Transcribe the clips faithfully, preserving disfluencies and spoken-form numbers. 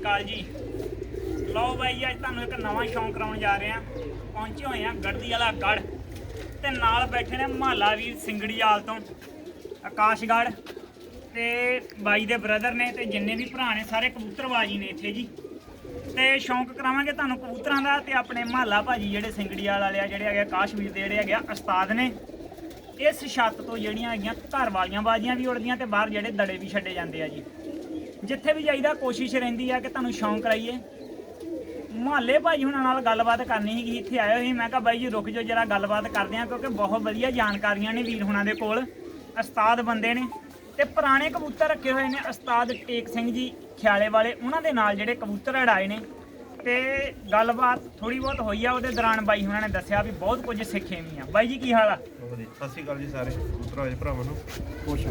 ਅਕਾਲ ਜੀ। ਲਓ ਬਾਈ ਅੱਜ ਤੁਹਾਨੂੰ ਇੱਕ ਨਵਾਂ ਸ਼ੌਂਕ ਕਰਾਉਣ ਜਾ ਰਹੇ ਆ। ਪਹੁੰਚੇ ਹੋਏ ਆ ਗੜਦੀ ਵਾਲਾ ਗੜ ਤੇ ਨਾਲ ਬੈਠੇ ਨੇ ਮਹੱਲਾ ਵੀਰ ਸਿੰਗੜੀਆਲ ਤੋਂ ਆਕਾਸ਼ਗੜ੍ਹ ਤੇ ਬਾਈ ਦੇ ਬ੍ਰਦਰ ਨੇ ਤੇ ਜਿੰਨੇ ਵੀ ਭਰਾ ਨੇ ਸਾਰੇ ਕਬੂਤਰਬਾਜੀ ਨੇ ਇੱਥੇ ਜੀ। ਤੇ ਸ਼ੌਂਕ ਕਰਾਵਾਂਗੇ ਤੁਹਾਨੂੰ ਕਬੂਤਰਾਂ ਦਾ ਤੇ ਆਪਣੇ ਮਹੱਲਾ ਭਾਜੀ ਜਿਹੜੇ ਸਿੰਗੜੀਆਲ ਵਾਲੇ ਆ ਜਿਹੜੇ ਹੈਗੇ ਆਕਾਸ਼ਵੀਰ ਦੇ ਜਿਹੜੇ ਹੈਗੇ ਆ ਉਸਤਾਦ ਨੇ। ਇਸ ਛੱਤ ਤੋਂ ਜਿਹੜੀਆਂ ਹੈਗੀਆਂ ਘਰ ਵਾਲੀਆਂ ਬਾਜ਼ੀਆਂ ਵੀ ਉੜਦੀਆਂ ਤੇ ਬਾਹਰ ਜਿਹੜੇ ਦੜੇ ਵੀ ਛੱਡੇ ਜਾਂਦੇ ਆ ਜੀ। ਜਿੱਥੇ ਵੀ ਜਾਈਦਾ ਕੋਸ਼ਿਸ਼ ਰਹਿੰਦੀ ਆ ਕਿ ਤੁਹਾਨੂੰ ਸ਼ੌਂਕ ਕਰਾਈਏ। ਮੁਹੱਲੇ ਭਾਜੀ ਹੁਣਾਂ ਨਾਲ ਗੱਲਬਾਤ ਕਰਨੀ ਸੀਗੀ, ਇੱਥੇ ਆਏ ਹੋਏ। ਮੈਂ ਕਿਹਾ ਬਾਈ ਜੀ ਰੁਕ ਜਾਓ ਜਰਾ ਗੱਲਬਾਤ ਕਰਦੇ ਆ, ਕਿਉਂਕਿ ਬਹੁਤ ਵਧੀਆ ਜਾਣਕਾਰੀਆਂ ਨੇ ਵੀਰ ਹੁਣਾਂ ਦੇ ਕੋਲ। ਉਸਤਾਦ ਬੰਦੇ ਨੇ ਤੇ ਪੁਰਾਣੇ ਕਬੂਤਰ ਰੱਖੇ ਹੋਏ ਨੇ ਉਸਤਾਦ ਟੇਕ ਸਿੰਘ ਜੀ ਖਿਆਲੇ ਵਾਲੇ, ਉਹਨਾਂ ਦੇ ਨਾਲ ਜਿਹੜੇ ਕਬੂਤਰ ਅੜਾਏ ਨੇ। ਤੇ ਗੱਲਬਾਤ ਥੋੜੀ ਬਹੁਤ ਹੋਈ ਆ, ਉਹਦੇ ਦੌਰਾਨ ਬਾਈ ਹੁਣਾਂ ਨੇ ਦੱਸਿਆ ਵੀ ਬਹੁਤ ਕੁਝ ਸਿੱਖੇ ਵੀ ਆ। ਬਾਈ ਜੀ ਕੀ ਹਾਲ ਆ? ਵਧੀਆ, ਸਤਿ ਸ਼੍ਰੀ ਅਕਾਲ ਜੀ ਸਾਰੇ ਕਬੂਤਰਬਾਜ਼ ਭਰਾਵਾਂ ਨੂੰ। ਖੁਸ਼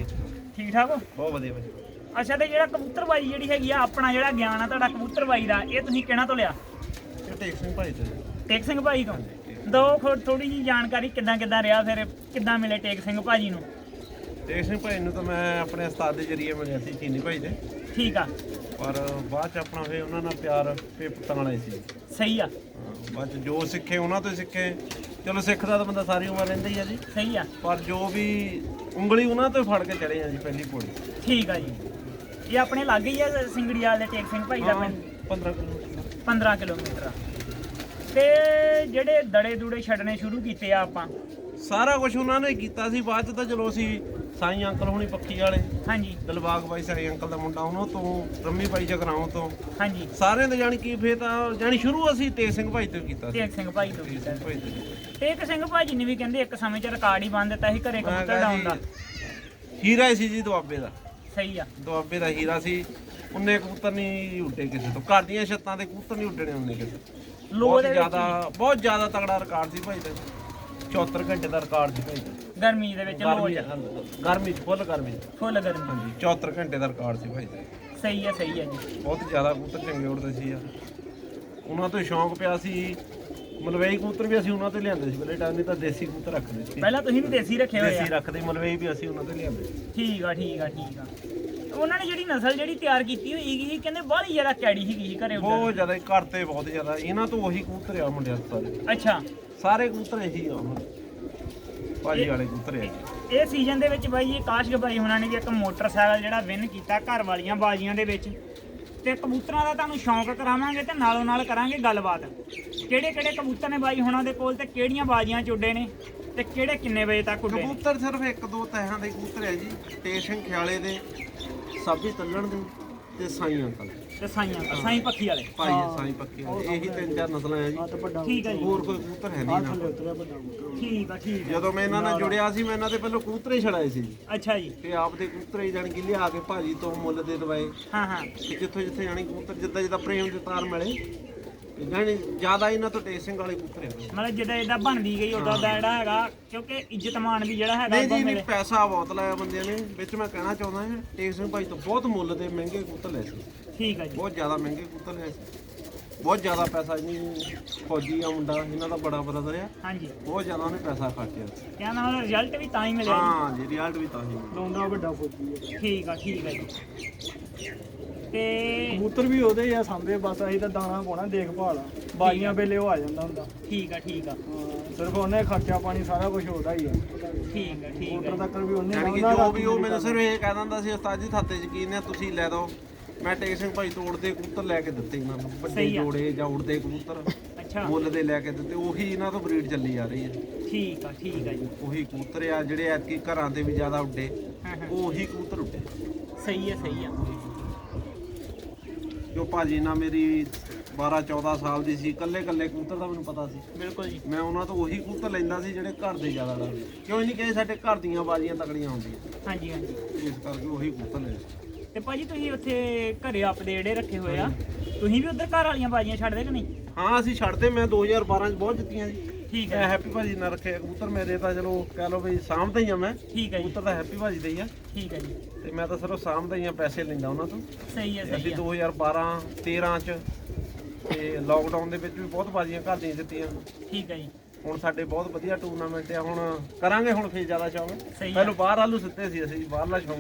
ਠੀਕ ਠਾਕ ਹੋ? ਬਹੁਤ ਵਧੀਆ ਵਧੀਆ। ਅੱਛਾ, ਤੇ ਜਿਹੜਾ ਕਬੂਤਰਬਾਜੀ ਜਿਹੜੀ ਹੈਗੀ ਆ, ਆਪਣਾ ਜਿਹੜਾ ਗਿਆਨ ਆ ਤੁਹਾਡਾ ਕਬੂਤਰਬਾਜੀ ਦਾ, ਇਹ ਤੁਸੀਂ ਕਿਹਨਾਂ ਤੋਂ ਲਿਆ? ਇਹ ਟੇਕ ਸਿੰਘ ਭਾਈ ਤੋਂ। ਟੇਕ ਸਿੰਘ ਭਾਈ ਤੋਂ ਦੋ ਥੋੜੀ ਜਿਹੀ ਜਾਣਕਾਰੀ, ਕਿੱਦਾਂ ਕਿੱਦਾਂ ਰਿਹਾ, ਫਿਰ ਕਿੱਦਾਂ ਮਿਲੇ ਟੇਕ ਸਿੰਘ ਭਾਜੀ ਨੂੰ? ਟੇਕ ਸਿੰਘ ਭਾਈ ਨੂੰ ਤਾਂ ਮੈਂ ਆਪਣੇ ਉਸਤਾਦ ਦੇ ਜਰੀਏ ਮਿਲਿਆ ਸੀ, ਚੀਨੀ ਭਾਈ ਦੇ। ਠੀਕ ਆ। ਪਰ ਬਾਅਦ ਚ ਆਪਣਾ ਫਿਰ ਉਹਨਾਂ ਨਾਲ ਪਿਆਰ ਪੇਪਤਾਂ ਵਾਲੇ ਸੀ। ਸਹੀ ਆ। ਬਾਅਦ ਚ ਜੋ ਸਿੱਖੇ ਉਹਨਾਂ ਤੋਂ ਸਿੱਖੇ। ਚਲੋ ਸਿੱਖਦਾ ਤਾਂ ਬੰਦਾ ਸਾਰੀ ਉਮਰ ਰਹਿੰਦਾ ਹੀ ਆ ਜੀ। ਸਹੀ ਆ। ਪਰ ਜੋ ਵੀ ਉਂਗਲੀ ਉਹਨਾਂ ਤੋਂ ਫੜ ਕੇ ਚੜੇ ਆ ਜੀ ਪਹਿਲੀ ਪੌੜੀ। ਠੀਕ ਆ ਜੀ। ਇਹ ਆਪਣੇ ਲਾਗੇ ਹੀ ਆ ਸਿੰਗੜੀਆਲ ਦੇ ਟੇਕ ਸਿੰਘ ਭਾਈ ਦਾ ਪਿੰਡ? ਪੰਦਰਾਂ ਕਿਲੋਮੀਟਰ। ਪੰਦਰਾਂ ਕਿਲੋਮੀਟਰ। ਤੇ ਜਿਹੜੇ ਦੜੇ ਦੂੜੇ ਛੱਡਣੇ ਸ਼ੁਰੂ ਕੀਤੇ ਆ ਆਪਾਂ? ਸਾਰਾ ਕੁਝ ਉਹਨਾਂ ਨੇ ਕੀਤਾ ਸੀ। ਬਾਅਦ ਚ ਤਾਂ ਚਲੋ ਅਸੀਂ ਸਾਈਂ ਅੰਕਲ ਹੋਣੀ ਪੱਖੀ ਵਾਲੇ, ਹਾਂਜੀ, ਦਿਲਬਾਗ ਬਾਈ ਸਾਈਂ ਅੰਕਲ ਦਾ ਮੁੰਡਾ, ਉਹਨਾਂ ਤੋਂ ਰੰਮੀ ਬਾਈ ਜਗਰਾਉਂ ਤੋਂ, ਹਾਂਜੀ, ਸਾਰਿਆਂ ਦੇ ਜਾਣੀ ਕੀ ਫੇਰ ਤਾਂ ਜਾਣੀ ਸ਼ੁਰੂ ਅਸੀਂ ਟੇਕ ਸਿੰਘ ਭਾਈ ਤੋਂ ਕੀਤਾ ਸੀ। ਟੇਕ ਸਿੰਘ ਭਾਈ ਤੋਂ ਕੀਤਾ। ਭਾਈ ਤੋਂ ਟੇਕ ਸਿੰਘ ਭਾਜੀ ਨੇ ਵੀ ਕਹਿੰਦੇ ਇੱਕ ਸਮੇਂ 'ਚ ਰਿਕਾਰਡ ਹੀ ਬੰਨ ਦਿੱਤਾ ਸੀ ਘਰੇ ਕਬੂਤਰ ਡਾਉਣ ਦਾ। ਹੀਰਾ ਹੀ ਸੀ ਜੀ ਦੁਆਬੇ ਦਾ। ਸਹੀ ਆ। ਦੁਆਬੇ ਦਾ ਹੀਰਾ ਸੀ। ਉਹਨੇ ਕਬੂਤਰ ਨਹੀਂ ਉੱਡੇ ਕਿਸੇ ਤੋਂ, ਘਰ ਦੀਆਂ ਛੱਤਾਂ ਦੇ ਕਬੂਤਰ ਨਹੀਂ ਉੱਡਣੇ ਉਹਨੇ ਕਿਸੇ। ਬਹੁਤ ਜ਼ਿਆਦਾ ਬਹੁਤ ਜ਼ਿਆਦਾ ਤਗੜਾ ਰਿਕਾਰਡ ਸੀ ਭਾਈ ਦਾ। ਚੌਹੱਤਰ ਘੰਟੇ ਦਾ ਰਿਕਾਰਡ ਸੀ ਭਾਈ ਦਾ। ਗਰਮੀ ਦੇ ਵਿੱਚ ਗਰਮੀ ਗਰਮੀ ਚ ਫੁੱਲ ਗਰਮੀ ਫੁੱਲ ਗਰਮੀ। ਹਾਂਜੀ, ਚੌਹੱਤਰ ਘੰਟੇ ਦਾ ਰਿਕਾਰਡ ਸੀ ਭਾਈ ਦਾ। ਸਹੀ ਆ, ਸਹੀ ਆ ਜੀ। ਬਹੁਤ ਜ਼ਿਆਦਾ ਕਬੂਤਰ ਚੰਗੇ ਉੱਡਦੇ ਸੀ ਯਾਰ। ਉਹਨਾਂ ਤੋਂ ਸ਼ੌਂਕ ਪਿਆ ਸੀ। ਮਲਵਈ ਕਬੂਤਰ ਵੀ ਅਸੀਂ ਉਹਨਾਂ ਤੋਂ ਲਿਆਂਦੇ ਸੀ ਪਹਿਲੇ ਟਾਈਮ, ਨਹੀਂ ਤਾਂ ਦੇਸੀ ਕਬੂਤਰ ਰੱਖਦੇ ਸੀ। ਪਹਿਲਾਂ ਤੁਸੀਂ ਵੀ ਦੇਸੀ ਰੱਖੇ ਹੋਏ ਆ? ਦੇਸੀ ਰੱਖਦੇ, ਮਲਵਈ ਵੀ ਅਸੀਂ ਉਹਨਾਂ ਤੋਂ ਲਿਆਂਦੇ ਸੀ। ਠੀਕ ਆ, ਠੀਕ ਆ, ਠੀਕ ਆ। ਉਹਨਾਂ ਨੇ ਜਿਹੜੀ ਨਸਲ ਜਿਹੜੀ ਤਿਆਰ ਕੀਤੀ ਹੋਈ ਸੀ, ਕਹਿੰਦੇ ਬਾਹਲੀ ਜ਼ਿਆਦਾ ਕੈੜੀ ਸੀਗੀ ਘਰੇ। ਬਹੁਤ ਜ਼ਿਆਦਾ ਘਰ ਤੇ ਬਹੁਤ ਜ਼ਿਆਦਾ ਇਹਨਾਂ ਤੋਂ ਉਹੀ ਕਬੂਤਰ ਆ ਮੁੰਡਿਆਂ ਤੋਂ ਸਾਰੇ। ਅੱਛਾ, ਸਾਰੇ ਕਬੂਤਰ ਇਹੀ ਆ ਹੁਣ ਭਾਜੀ ਵਾਲੇ ਕਬੂਤਰ ਆ। ਇਹ ਸੀਜ਼ਨ ਦੇ ਵਿੱਚ ਬਾਈ ਜੀ ਆਕਾਸ਼ ਬਾਈ ਹੁਣਾਂ ਨੇ ਵੀ ਇੱਕ ਮੋਟਰਸਾਈਕਲ ਜਿਹੜਾ ਵਿਨ ਕੀਤਾ ਘਰ ਵਾਲੀਆਂ ਬਾਜ਼ੀਆਂ ਦੇ ਵਿੱਚ। ਤੇ ਕਬੂਤਰਾਂ ਦਾ ਤੁਹਾਨੂੰ ਸ਼ੌਂਕ ਕਰਾਵਾਂਗੇ ਤੇ ਨਾਲੋਂ ਨਾਲ ਕਰਾਂਗੇ ਗੱਲਬਾਤ। ਕਿਹੜੇ ਕਿਹੜੇ ਕਬੂਤਰ ਨੇ ਬਾਈ ਹੁਣਾਂ ਦੇ ਕੋਲ ਤੇ ਕਿਹੜੀਆਂ ਬਾਜ਼ੀਆਂ 'ਚ ਉੱਡੇ ਨੇ ਤੇ ਕਿਹੜੇ ਕਿੰਨੇ ਵਜੇ ਤੱਕ ਉੱਡੇ? ਕਬੂਤਰ ਸਿਰਫ ਇੱਕ ਦੋ ਤਹਿਾਂ ਦੇ ਕਬੂਤਰ ਹੈ ਜੀ। ਟੇਕ ਸਿੰਘ ਖਿਆਲੇ ਦੇ, ਸਾਬੀ ਤੱਲਣ ਦੇ ਤੇ ਸਾਈਂ ਅੰਕਲ ਤੇ ਸਾਈਆਂ ਸਾਈਂ ਪੱਖੀ ਵਾਲੇ ਭਾਈ ਸਾਈਂ ਪੱਖੀ ਵਾਲੇ। ਇਹੀ ਤਿੰਨ ਚਾਰ ਨਸਲਾਂ ਆ ਜੀ। ਠੀਕ ਹੈ ਜੀ। ਹੋਰ ਕੋਈ ਕਬੂਤਰ ਹੈ ਨਹੀਂ ਨਾ। ਠੀਕ ਆ, ਠੀਕ ਆ। ਜਦੋਂ ਮੈਂ ਇਹਨਾਂ ਨਾਲ ਜੁੜਿਆ ਸੀ, ਮੈਂ ਇਹਨਾਂ ਦੇ ਪਹਿਲਾਂ ਕਬੂਤਰ ਹੀ ਛੜਾਏ ਸੀ ਜੀ। ਅੱਛਾ ਜੀ। ਤੇ ਆਪ ਦੇ ਕਬੂਤਰ ਹੀ ਜਾਣੀ ਕਿ ਲਿਆ ਕੇ ਭਾਜੀ ਤੋਂ ਮੁੱਲ ਦੇ ਦਵਾਏ। ਹਾਂ ਹਾਂ। ਤੇ ਜਿੱਥੋਂ ਜਿੱਥੇ ਜਾਣੀ ਕਬੂਤਰ ਜਿੱਦਾਂ ਜਿੱਦਾਂ ਪ੍ਰੇਮ ਦੇ ਤਾਰ ਮਿਲੇ, ਜਾਣੀ ਜ਼ਿਆਦਾ ਇਹਨਾਂ ਤੋਂ ਟੇਕ ਸਿੰਘ ਵਾਲੇ ਕਬੂਤਰ ਹੈ। ਮਤਲਬ ਜਿੱਦਾਂ ਇਦਾਂ ਬਣਦੀ ਗਈ ਉਦਾਂ ਦਾ ਜਿਹੜਾ ਹੈਗਾ, ਕਿਉਂਕਿ ਇੱਜ਼ਤ ਮਾਨ ਵੀ ਜਿਹੜਾ ਹੈਗਾ। ਨਹੀਂ ਜੀ ਨਹੀਂ, ਪੈਸਾ ਬਹੁਤ ਲਾਇਆ ਬੰਦਿਆਂ ਨੇ ਵਿੱਚ। ਮੈਂ ਕਹਿਣਾ ਚਾਹੁੰਦਾ ਹਾਂ ਟੇਕ ਸਿੰਘ ਭਾਈ ਤੋਂ ਬਹੁਤ ਮੁੱਲ ਦੇ ਮਹਿੰਗੇ ਕਬੂਤਰ ਲਏ ਸੀ। ਠੀਕ ਹੈ ਜੀ। ਬਹੁਤ ਜ਼ਿਆਦਾ ਮਹਿੰਗੇ ਕਬੂਤਰ ਲਏ ਸੀ। ਬਹੁਤ ਜ਼ਿਆਦਾ ਪੈਸਾ ਜੀ। ਫੌਜੀ ਆ ਮੁੰਡਾ, ਇਹਨਾਂ ਦਾ ਬੜਾ ਬ੍ਰਦਰ ਆ। ਹਾਂਜੀ, ਬਹੁਤ ਜ਼ਿਆਦਾ ਉਹਨੇ ਪੈਸਾ ਖਰਚਿਆ। ਕਹਿੰਦਾ ਉਹਦਾ ਰਿਜ਼ਲਟ ਵੀ ਤਾਂ ਹੀ ਮਿਲਿਆ ਜੀ। ਹਾਂ ਜੀ, ਰਿਜ਼ਲਟ ਵੀ ਤਾਂ ਹੀ ਲੋਂਡਾ ਵੱਡਾ ਫੌਜੀ ਹੈ। ਠੀਕ ਆ, ਠੀਕ ਆ ਜੀ। ਤੇ ਕਬੂਤਰ ਵੀ ਉਹਦੇ ਹੀ ਆ ਸਾਹਮਣੇ, ਬਸ ਅਸੀਂ ਤਾਂ ਦਾਣਾ ਪਾਉਣਾ, ਦੇਖਭਾਲ ਆ। ਬਾਜ਼ੀਆਂ ਵੇਲੇ ਉਹ ਆ ਜਾਂਦਾ ਹੁੰਦਾ। ਠੀਕ ਆ, ਠੀਕ ਆ। ਹਾਂ, ਸਿਰਫ ਉਹਨੇ ਖਰਚਾ ਪਾਣੀ ਸਾਰਾ ਕੁਝ ਉਹਦਾ ਹੀ ਆ। ਠੀਕ ਆ, ਠੀਕ ਆ। ਕਬੂਤਰ ਤੱਕ ਵੀ ਉਹਨੇ ਯਾਨੀ ਕਿ ਜੋ ਵੀ ਉਹ ਮੈਨੂੰ ਸਿਰਫ ਇਹ ਕਹਿ ਦਿੰਦਾ ਸੀ, ਉਸਤਾਦ ਜੀ ਥਾਤੇ ਯਕੀਨ ਹੈ ਤੁਸੀਂ ਲੈ ਦਿਓ। ਮੈਂ ਟੇਕ ਸਿੰਘ ਭਾਈ ਤੋਂ ਉੜਦੇ ਕਬੂਤਰ ਲੈ ਕੇ ਦਿੱਤੇ ਇਹਨਾਂ ਨੂੰ, ਵੱਡੇ ਜੋੜੇ ਜਾਂ ਉੜਦੇ ਕਬੂਤਰ ਅੱਛਾ, ਮੁੱਲ ਦੇ ਲੈ ਕੇ ਦਿੱਤੇ। ਉਹੀ ਇਹਨਾਂ ਤੋਂ ਬਰੀਡ ਚੱਲੀ ਆ ਰਹੀ ਹੈ। ਠੀਕ ਆ, ਠੀਕ ਆ ਜੀ। ਉਹੀ ਕਬੂਤਰ ਆ ਜਿਹੜੇ ਐਤਕੀ ਘਰਾਂ ਦੇ ਵੀ ਜ਼ਿਆਦਾ ਉੱਡੇ। ਹਾਂ ਹਾਂ, ਉਹੀ ਕਬੂਤਰ ਉੱਡੇ। ਸਹੀ ਆ, ਸਹੀ ਆ। ਜੋ ਭਾਜੀ ਨਾਲ ਮੇਰੀ ਬਾਰਾਂ ਚੌਦਾਂ ਸਾਲ ਦੀ ਸੀ, ਇਕੱਲੇ ਇਕੱਲੇ ਕਬੂਤਰ ਦਾ ਮੈਨੂੰ ਪਤਾ ਸੀ। ਬਿਲਕੁਲ ਜੀ। ਮੈਂ ਉਹਨਾਂ ਤੋਂ ਉਹੀ ਕਬੂਤਰ ਲੈਂਦਾ ਸੀ ਜਿਹੜੇ ਘਰ ਦੇ ਜ਼ਿਆਦਾ ਡਰਦੇ। ਕਿਉਂ ਨਹੀਂ ਕਹੇ ਸਾਡੇ ਘਰ ਦੀਆਂ ਬਾਜ਼ੀਆਂ ਤਕੜੀਆਂ ਹੁੰਦੀਆਂ। ਹਾਂਜੀ ਹਾਂਜੀ। ਇਸ ਕਰਕੇ ਉਹੀ ਕਬੂਤਰ ਲੈ। ਤੇ ਭਾਜੀ ਤੁਸੀਂ ਉੱਥੇ ਘਰੇ ਆਪਦੇ ਜਿਹੜੇ ਰੱਖੇ ਹੋਏ ਆ, ਤੁਸੀਂ ਵੀ ਉਧਰ ਘਰ ਵਾਲੀਆਂ ਬਾਜ਼ੀਆਂ ਛੱਡਦੇ ਕਿ ਨਹੀਂ? ਹਾਂ ਅਸੀਂ ਛੱਡਦੇ। ਮੈਂ ਦੋ ਹਜ਼ਾਰ ਬਾਰਾਂ ਚ ਬਹੁਤ ਜਿੱਤੀਆਂ ਜੀ। ਠੀਕ ਮੈਂ ਹੈ। ਹੈਪੀ ਭਾਜੀ ਨਾਲ ਰੱਖੇ ਕਬੂਤਰ। ਮੇਰੇ ਤਾਂ ਚਲੋ ਕਹਿ ਲਓ ਵੀ ਸਾਂਭਦਾ ਹੀ ਆ ਮੈਂ। ਠੀਕ ਹੈ ਜੀ। ਕਬੂਤਰ ਤਾਂ ਹੈਪੀ ਭਾਜੀ ਦੇ ਹੀ ਆ। ਠੀਕ ਹੈ ਜੀ। ਤੇ ਮੈਂ ਤਾਂ ਸਿਰਫ ਸਾਂਭਦਾ ਹੀ ਆ, ਪੈਸੇ ਲੈਂਦਾ ਉਹਨਾਂ ਤੋਂ। ਸਹੀ ਹੈ, ਤੇ ਸਹੀ ਅਸੀਂ ਹੈ। ਦੋ ਹਜ਼ਾਰ ਬਾਰਾਂ ਤੇਰਾਂ ਚ ਤੇ ਲੋਕਡਾਊਨ ਦੇ ਵਿੱਚ ਵੀ ਬਹੁਤ ਬਾਜ਼ੀਆਂ ਘਰ ਦੀਆਂ ਜਿੱਤੀਆਂ। ਠੀਕ ਹੈ ਜੀ। ਹੁਣ ਸਾਡੇ ਬਹੁਤ ਵਧੀਆ ਟੂਰਨਾਮੈਂਟ ਆ। ਹੁਣ ਕਰਾਂਗੇ ਹੁਣ ਫੇਰ ਜ਼ਿਆਦਾ ਸ਼ੌਂਕ। ਸਹੀ ਹੈ। ਪਹਿਲਾਂ ਬਾਹਰ ਆਲੂ ਸਿੱਤੇ ਸੀ ਅਸੀਂ, ਬਾਹਰਲਾ ਸ਼ੌਂਕ ਸੀ।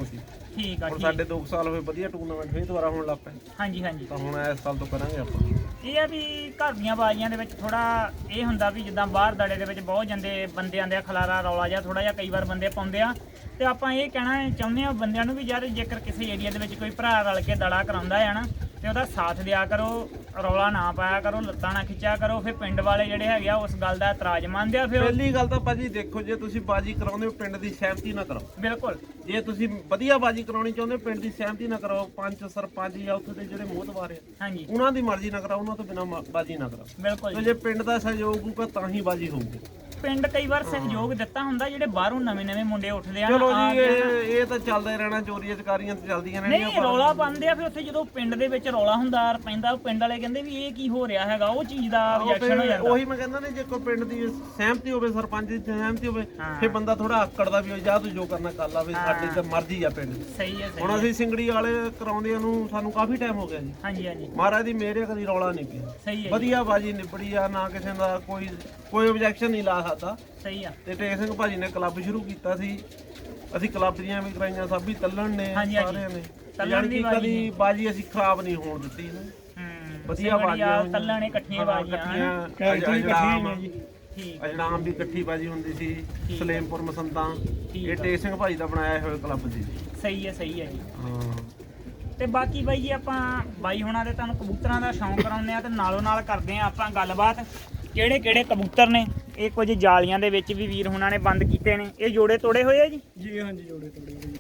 ਠੀਕ ਆ ਹੁਣ ਠੀਕ ਸਾਡੇ ਦੋ ਸਾਲ ਹੋਏ ਵਧੀਆ ਟੂਰਨਾਮੈਂਟ ਫੇਰ ਦੁਬਾਰਾ ਹੋਣ ਲੱਗ ਪਏ ਹਾਂਜੀ ਹਾਂਜੀ ਤਾਂ ਹੁਣ ਇਸ ਸਾਲ ਤੋਂ ਕਰਾਂਗੇ ਆਪਾਂ। ਇਹ ਆ ਵੀ ਘਰ ਦੀਆਂ ਬਾਜ਼ੀਆਂ ਦੇ ਵਿੱਚ ਥੋੜਾ ਇਹ ਹੁੰਦਾ ਵੀ ਜਿੱਦਾਂ ਬਾਹਰ ਦੜੇ ਦੇ ਵਿੱਚ ਬਹੁਤ ਜਾਂਦੇ ਬੰਦੇ ਆਂਦੇ ਆ, ਖਲਾਰਾ ਰੌਲਾ ਜਿਹਾ ਥੋੜਾ ਜਿਹਾ ਕਈ ਵਾਰ ਬੰਦੇ ਪਾਉਂਦੇ ਆ, ਤੇ ਆਪਾਂ ਇਹ ਕਹਿਣਾ ਚਾਹੁੰਦੇ ਆ ਬੰਦਿਆਂ ਨੂੰ ਵੀ ਯਾਰ ਜੇਕਰ ਕਿਸੇ ਏਰੀਆ ਦੇ ਵਿੱਚ ਕੋਈ ਭਰਾ ਰਲ ਕੇ ਦੜਾ ਕਰਾਉਂਦਾ ਆ ਨਾ ਤੇ ਉਹਦਾ ਸਾਥ ਦਿਆ ਕਰੋ, ਰੌਲਾ ਨਾ ਪਾਇਆ ਕਰੋ, ਲੱਤਾਂ ਨਾ ਖਿੱਚਿਆ ਕਰੋ। ਫਿਰ ਪਿੰਡ ਵਾਲੇ ਜਿਹੜੇ ਹੈਗੇ ਆ ਉਸ ਗੱਲ ਦਾ ਇਤਰਾਜ਼ ਮੰਨਦੇ ਆ। ਫਿਰ ਪਹਿਲੀ ਗੱਲ ਤਾਂ ਭਾਜੀ ਦੇਖੋ, ਜੇ ਤੁਸੀਂ ਬਾਜੀ ਕਰਾਉਂਦੇ ਹੋ ਪਿੰਡ ਦੀ ਸਹਿਮਤੀ ਨਾਲ ਕਰੋ। ਬਿਲਕੁਲ ਜੇ ਤੁਸੀਂ ਵਧੀਆ ਬਾਜੀ ਕਰਾਉਣੀ ਚਾਹੁੰਦੇ ਹੋ ਪਿੰਡ ਦੀ ਸਹਿਮਤੀ ਨਾਲ ਕਰੋ। ਪੰਚ ਸਰਪੰਚ ਜਾਂ ਉੱਥੇ ਦੇ ਜਿਹੜੇ ਮੋਹਤਵਾਰ ਆ ਹਾਂਜੀ ਉਹਨਾਂ ਦੀ ਮਰਜ਼ੀ ਨਾਲ ਕਰਾਓ, ਉਹਨਾਂ ਤੋਂ ਬਿਨਾਂ ਮ- ਬਾਜੀ ਨਾ ਕਰਾਓ। ਬਿਲਕੁਲ ਤੇ ਜੀ। ਜੇ ਪਿੰਡ ਦਾ ਸਹਿਯੋਗ ਹੋਊਗਾ ਤਾਂ ਹੀ ਬਾਜੀ ਹੋਊਗੀ। ਪਿੰਡ ਕਈ ਵਾਰ ਸਹਿਯੋਗ ਦਿੱਤਾ ਹੁੰਦਾ, ਜਿਹੜੇ ਬਾਹਰੋਂ ਨਵੇਂ ਨਵੇਂ ਮੁੰਡੇ ਉੱਠਦੇ ਆ ਨਾ, ਚਲੋ ਆ ਜੀ ਕੇ ਇਹ ਇਹ ਤਾਂ ਚੱਲਦਾ ਹੀ ਰਹਿਣਾ, ਚੋਰੀਆਂ ਚਕਾਰੀਆਂ ਤੇ ਚੱਲਦੀਆਂ ਰਹਿਣੀਆਂ। ਨਹੀਂ ਰੌਲਾ ਪਾਉਂਦੇ ਆ। ਫਿਰ ਉੱਥੇ ਜਦੋਂ ਪਿੰਡ ਦੇ ਵਿੱਚ ਰੌਲਾ ਹੁੰਦਾ ਪੈਂਦਾ, ਪਿੰਡ ਵਾਲੇ ਕਹਿੰਦੇ ਵੀ ਇਹ ਕੀ ਹੋ ਰਿਹਾ ਹੈਗਾ, ਉਹ ਚੀਜ਼ ਦਾ ਉਹ ਰਿਐਕਸ਼ਨ ਹੋ ਫਿਰ ਜਾਂਦਾ। ਉਹੀ ਮੈਂ ਕਹਿੰਦਾ ਨੇ, ਜੇ ਕੋਈ ਪਿੰਡ ਦੀ ਸਹਿਮਤੀ ਹੋਵੇ, ਸਰਪੰਚ ਦੀ ਸਹਿਮਤੀ ਹੋਵੇ, ਹਾਂ। ਫਿਰ ਬੰਦਾ ਥੋੜਾ ਆਕੜਦਾ ਵੀ ਹੋ ਜਾ, ਤੂੰ ਜੋ ਕਰਨਾ ਕਰ ਲਾ, ਵੀ ਸਾਡੀ ਤਾਂ ਮਰਜ਼ੀ ਆ ਪਿੰਡ ਦੀ। ਸਹੀ ਹੈ ਸਹੀ ਹੁਣ ਹੈ। ਅਸੀਂ ਸਿੰਗੜੀ ਵਾਲੇ ਕਰਾਉਂਦਿਆਂ ਨੂੰ ਸਾਨੂੰ ਕਾਫੀ ਟਾਈਮ ਹੋ ਗਿਆ ਜੀ। ਹਾਂਜੀ ਹਾਂਜੀ ਮਹਾਰਾਜ ਦੀ ਮੇਰੇ ਕਦੀ ਰੌਲਾ ਨਹੀਂ ਪਿਆ, ਸਹੀ ਹੈ ਜੀ, ਵਧੀਆ ਬਾਜੀ ਨਿਬੜੀ ਆ, ਨਾ ਕਿਸੇ ਦਾ ਕੋਈ ਕੋਈ ਆਬਜੈਕਸ਼ਨ ਨਹੀਂ ਲਾ ਸਕਦਾ। ਸਹੀ ਆ। ਤੇ ਟੇਕ ਸਿੰਘ ਭਾਜੀ ਨੇ ਕਲੱਬ ਸ਼ੁਰੂ ਕੀਤਾ ਸੀ, ਅਸੀਂ ਕਲੱਬ ਦੀਆਂ ਵੀ ਕਰਾਈਆਂ, ਸਭ ਵੀ ਤੱਲਣ ਨੇ ਹਾਂਜੀ, ਹਾਂਜੀ। ਸਾਰਿਆਂ ਨੇ। ਤੱਲਣ ਯਾਨੀ ਦੀ ਕਿ ਬਾਜੀ ਕਦੀ ਬਾਜੀ ਅਸੀਂ ਖਰਾਬ ਨਹੀਂ ਹੋਣ ਦਿੱਤੀ ਨਾ। ਹੂੰ ਵਧੀਆ ਬਾਜੀਆਂ ਹੋਈਆਂ। ਤੱਲਾਂ ਨੇ ਇਕੱਠੀਆਂ ਬਾਜੀਆਂ ਹਨਾ? ਕੈਰੇਕਟਰ ਹੀ ਇਕੱਠੇ ਹੀ ਨੇ ਜੀ। ਠੀਕ ਅਜਨਾਮ ਵੀ ਇਕੱਠੀ ਬਾਜੀ ਹੁੰਦੀ ਸੀ, ਠੀਕ। ਸਲੇਮਪੁਰ ਮਸੰਦਾਂ, ਠੀਕ ਇਹ ਆ। ਟੇਕ ਸਿੰਘ ਭਾਜੀ ਦਾ ਬਣਾਇਆ ਹੋਇਆ ਕਲੱਬ ਸੀ। ਸਹੀ ਹੈ ਸਹੀ ਹੈ ਜੀ। ਹਾਂ ਤੇ ਬਾਕੀ ਬਾਈ ਜੀ ਆਪਾਂ ਬਾਈ ਹੁਣਾਂ ਦੇ ਤੁਹਾਨੂੰ ਕਬੂਤਰਾਂ ਦਾ ਸ਼ੌਂਕ ਕਰਾਉਂਦੇ ਆ ਤੇ ਨਾਲੋਂ ਨਾਲ ਕਰਦੇ ਆ ਆਪਾਂ ਗੱਲਬਾਤ ਕਿਹੜੇ ਕਿਹੜੇ ਕਬੂਤਰ ਨੇ। ਇਹ ਕੁਝ ਜਾਲੀਆਂ ਦੇ ਵਿੱਚ ਵੀ ਵੀਰ ਹੁਣਾਂ ਨੇ ਬੰਦ ਕੀਤੇ ਨੇ। ਇਹ ਜੋੜੇ ਤੋੜੇ ਹੋਏ ਆ ਜੀ? ਜੀ ਹਾਂਜੀ ਜੋੜੇ ਤੋੜੇ ਜੀ।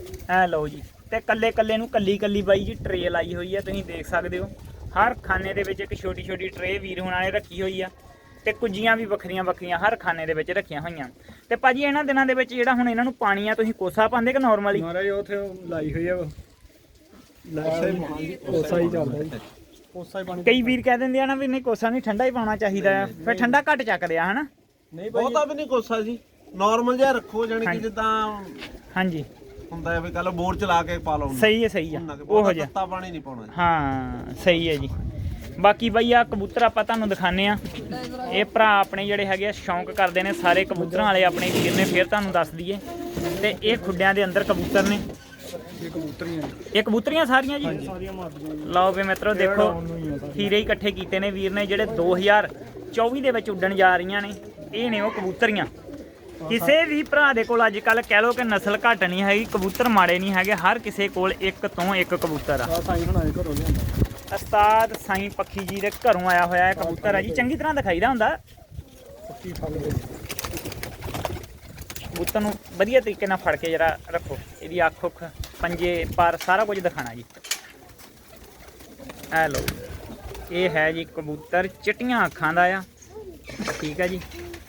ਐ ਲਓ ਜੀ, ਤੇ ਕੱਲੇ ਕੱਲੇ ਨੂੰ ਕੱਲੀ ਕੱਲੀ ਬਾਈ ਜੀ ਟਰੇ ਲਾਈ ਹੋਈ ਆ, ਤੁਸੀਂ ਦੇਖ ਸਕਦੇ ਹੋ। ਹਰ ਖਾਨੇ ਦੇ ਵਿੱਚ ਇੱਕ ਛੋਟੀ ਛੋਟੀ ਟਰੇ ਵੀਰ ਹੁਣਾਂ ਨੇ ਰੱਖੀ ਹੋਈ ਆ, ਤੇ ਕੁੱਜੀਆਂ ਵੀ ਵੱਖਰੀਆਂ ਵੱਖਰੀਆਂ ਹਰ ਖਾਨੇ ਦੇ ਵਿੱਚ ਰੱਖੀਆਂ ਹੋਈਆਂ। ਤੇ ਭਾਜੀ ਇਹਨਾਂ ਦਿਨਾਂ ਦੇ ਵਿੱਚ ਜਿਹੜਾ ਹੁਣ ਇਹਨਾਂ ਨੂੰ ਪਾਣੀ ਆ, ਤੁਸੀਂ ਕੋਸਾ ਪਾਉਂਦੇ ਕਿ ਨਾਰਮਲੀ? ਮਹਾਰਾਜ ਉੱਥੇ ਲਾਈ ਹੋਈ ਆ, ਕੋਸਾ ਹੀ ਚੱਲਦਾ ਜੀ, ਕੋਸਾ ਹੀ ਪਾਣੀ। ਕਈ ਵੀਰ ਕਹਿ ਦਿੰਦੇ ਆ ਨਾ ਵੀ ਨਹੀਂ ਕੋਸਾ ਨਹੀਂ, ਠੰਡਾ ਹੀ ਪਾਉਣਾ ਚਾਹੀਦਾ ਆ, ਫਿਰ ਠੰਡਾ ਘੱਟ ਚੱਕਦੇ ਆ ਹਨਾ? ਨਹੀਂ ਭਾਈ ਬਹੁਤਾ ਵੀ ਨਹੀਂ ਕੋਸਾ ਜੀ, ਨਾਰਮਲ ਜਿਹਾ ਰੱਖੋ, ਜਾਨੀ ਕਿ ਜਿੱਦਾਂ ਹਾਂਜੀ ਹੁੰਦਾ ਹੈ ਵੀ ਕੱਲ ਬੋਰ ਚਲਾ ਕੇ ਪਾ ਲਓ। ਸਹੀ ਹੈ ਸਹੀ ਆ, ਉਹੋ ਜਿਹਾ ਤੱਤਾ ਪਾਣੀ ਨਹੀਂ ਪਾਉਣਾ ਜੀ। ਹਾਂ ਸਹੀ ਹੈ ਜੀ। ਬਾਕੀ ਬਈ ਆ ਕਬੂਤਰ ਆਪਾਂ ਤੁਹਾਨੂੰ ਦਿਖਾਣੇ ਆ। ਇਹ ਭਰਾ ਆਪਣੇ ਜਿਹੜੇ ਹੈਗੇ ਆ ਸ਼ੌਂਕ ਕਰਦੇ ਨੇ ਸਾਰੇ ਕਬੂਤਰਾਂ ਵਾਲੇ, ਆਪਣੇ ਵੀਰ ਨੇ, ਫਿਰ ਤੁਹਾਨੂੰ ਦੱਸ ਦਈਏ। ਤੇ ਇਹ ਖੁੱਡਿਆਂ ਦੇ ਅੰਦਰ ਕਬੂਤਰ ਨੇ, ਇਹ ਕਬੂਤਰੀਆਂ ਇਹ ਕਬੂਤਰੀਆਂ ਸਾਰੀਆਂ ਜੀ। ਸਾਰੀਆਂ ਮਾਰਦੀਆਂ ਜੀ। ਲਓ ਵੀ ਮਿੱਤਰੋ ਦੇਖੋ, ਹੀਰੇ ਹੀ ਇਕੱਠੇ ਕੀਤੇ ਨੇ ਵੀਰ ਨੇ ਜਿਹੜੇ ਦੋ ਹਜ਼ਾਰ ਚੌਵੀ ਦੇ ਵਿੱਚ ਉੱਡਣ ਜਾ ਰਹੀਆਂ ਨੇ। ਇਹ ਨੇ ਉਹ ਕਬੂਤਰੀਆਂ। ਕਿਸੇ ਵੀ ਭਰਾ ਦੇ ਕੋਲ ਅੱਜ ਕੱਲ ਕਹਿ ਲੋ ਕਿ ਨਸਲ ਘੱਟ ਨਹੀਂ ਹੈਗੀ, ਕਬੂਤਰ ਮਾੜੇ ਨਹੀਂ ਹੈਗੇ, ਹਰ ਕਿਸੇ ਕੋਲ ਇੱਕ ਤੋਂ ਇੱਕ ਕਬੂਤਰ ਆ। ਆ ਸਾਈਂ ਬਣਾਏ ਘਰੋਂ ਲਿਆਂਦਾ। ਉਸਤਾਦ ਸਾਈਂ ਪੱਖੀ ਜੀ ਦੇ ਘਰੋਂ ਆਇਆ ਹੋਇਆ ਹੈ ਕਬੂਤਰ ਆ ਜੀ। ਚੰਗੀ ਤਰ੍ਹਾਂ ਦਿਖਾਈਦਾ ਹੁੰਦਾ ਪੱਕੀ ਫਲ ਦੇ ਕਬੂਤਰ ਨੂੰ, ਵਧੀਆ ਤਰੀਕੇ ਨਾਲ ਫੜ ਕੇ ਜਰਾ ਰੱਖੋ। ਇਹਦੀ ਅੱਖ ਉੱਖ ਪੰਜੇ ਪਰ ਸਾਰਾ ਕੁਝ ਦਿਖਾਣਾ ਜੀ। ਐ ਲਓ, ਇਹ ਹੈ ਜੀ ਕਬੂਤਰ, ਚਿੱਟੀਆਂ ਅੱਖਾਂ ਦਾ ਆ, ਠੀਕ ਆ ਜੀ।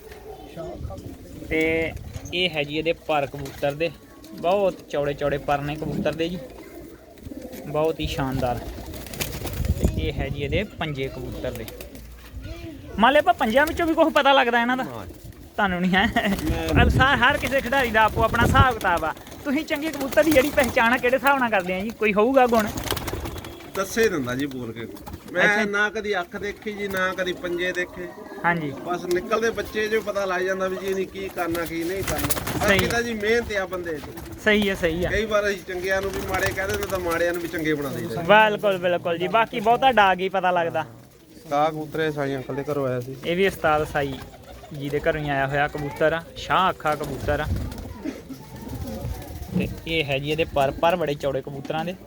ਤੇ ਇਹ ਹੈ ਜੀ ਇਹਦੇ ਪਰ ਕਬੂਤਰ ਦੇ, ਬਹੁਤ ਚੌੜੇ ਚੌੜੇ ਪਰ ਨੇ ਕਬੂਤਰ ਦੇ ਜੀ, ਬਹੁਤ ਹੀ ਸ਼ਾਨਦਾਰ। ਤੇ ਇਹ ਹੈ ਜੀ ਇਹਦੇ ਪੰਜੇ ਕਬੂਤਰ ਦੇ। ਮੰਨ ਲਿਆ ਆਪਾਂ ਪੰਜਿਆਂ ਵਿੱਚੋਂ ਵੀ ਕੁਝ ਪਤਾ ਲੱਗਦਾ ਇਹਨਾਂ ਦਾ? ਤੁਹਾਨੂੰ ਨਹੀਂ ਹੈ? ਸਾਰ ਹਰ ਕਿਸੇ ਖਿਡਾਰੀ ਦਾ ਆਪੋ ਆਪਣਾ ਹਿਸਾਬ ਕਿਤਾਬ ਆ। ਤੁਸੀਂ ਚੰਗੇ ਕਬੂਤਰ ਦੀ ਜਿਹੜੀ ਪਹਿਚਾਣ ਆ ਕਿਹੜੇ ਹਿਸਾਬ ਨਾਲ ਕਰਦੇ ਆ ਜੀ? ਕੋਈ ਹੋਊਗਾ ਗੁਣ? ਦੱਸੇ ਦਿੰਦਾ ਜੀ ਬੋਲ ਕੇ। ਮੈਂ ਨਾ ਕਦੀ ਅੱਖ ਦੇਖੀ ਜੀ, ਨਾ ਕਦੀ ਪੰਜੇ ਦੇਖੇ। ਹਾਂਜੀ ਬਸ ਨਿਕਲਦੇ ਬੱਚੇ ਜੋ ਪਤਾ ਲੱਗ ਜਾਂਦਾ ਵੀ ਜੀ ਇਹਨੇ ਕੀ ਕਰਨਾ ਕੀ ਨਹੀਂ ਕਰਨਾ। ਬਾਕੀ ਤਾਂ ਜੀ ਮਿਹਨਤ ਆ ਬੰਦੇ ਦੀ। ਸਹੀ ਹੈ ਸਹੀ ਆ। ਕਈ ਵਾਰ ਅਸੀਂ ਚੰਗਿਆਂ ਨੂੰ ਵੀ ਮਾੜੇ ਕਹਿ ਦਿੰਦੇ ਤਾਂ ਮਾੜਿਆਂ ਨੂੰ ਵੀ ਚੰਗੇ ਬਣਾ ਦਿੰਦੇ। ਬਿਲਕੁਲ ਬਿਲਕੁਲ ਜੀ। ਬਾਕੀ ਬਹੁਤਾ ਡਾਗ ਹੀ ਪਤਾ ਲੱਗਦਾ। ਕਾ ਕਬੂਤਰੇ ਸਾਈ ਅੰਕਲ ਦੇ ਘਰੋਂ ਆਇਆ ਸੀ। ਇਹ ਵੀ ਉਸਤਾਦ ਸਾਈ ਜੀ ਦੇ ਘਰੋਂ ਹੀ ਆਇਆ ਹੋਇਆ ਕਬੂਤਰ ਆ, ਸ਼ਾਹ ਅੱਖਾਂ ਕਬੂਤਰ ਆ। ਤੇ ਇਹ ਹੈ ਜੀ ਇਹਦੇ ਪਰ ਪਰ ਬੜੇ ਚੌੜੇ ਕਬੂਤਰਾਂ ਦੇ।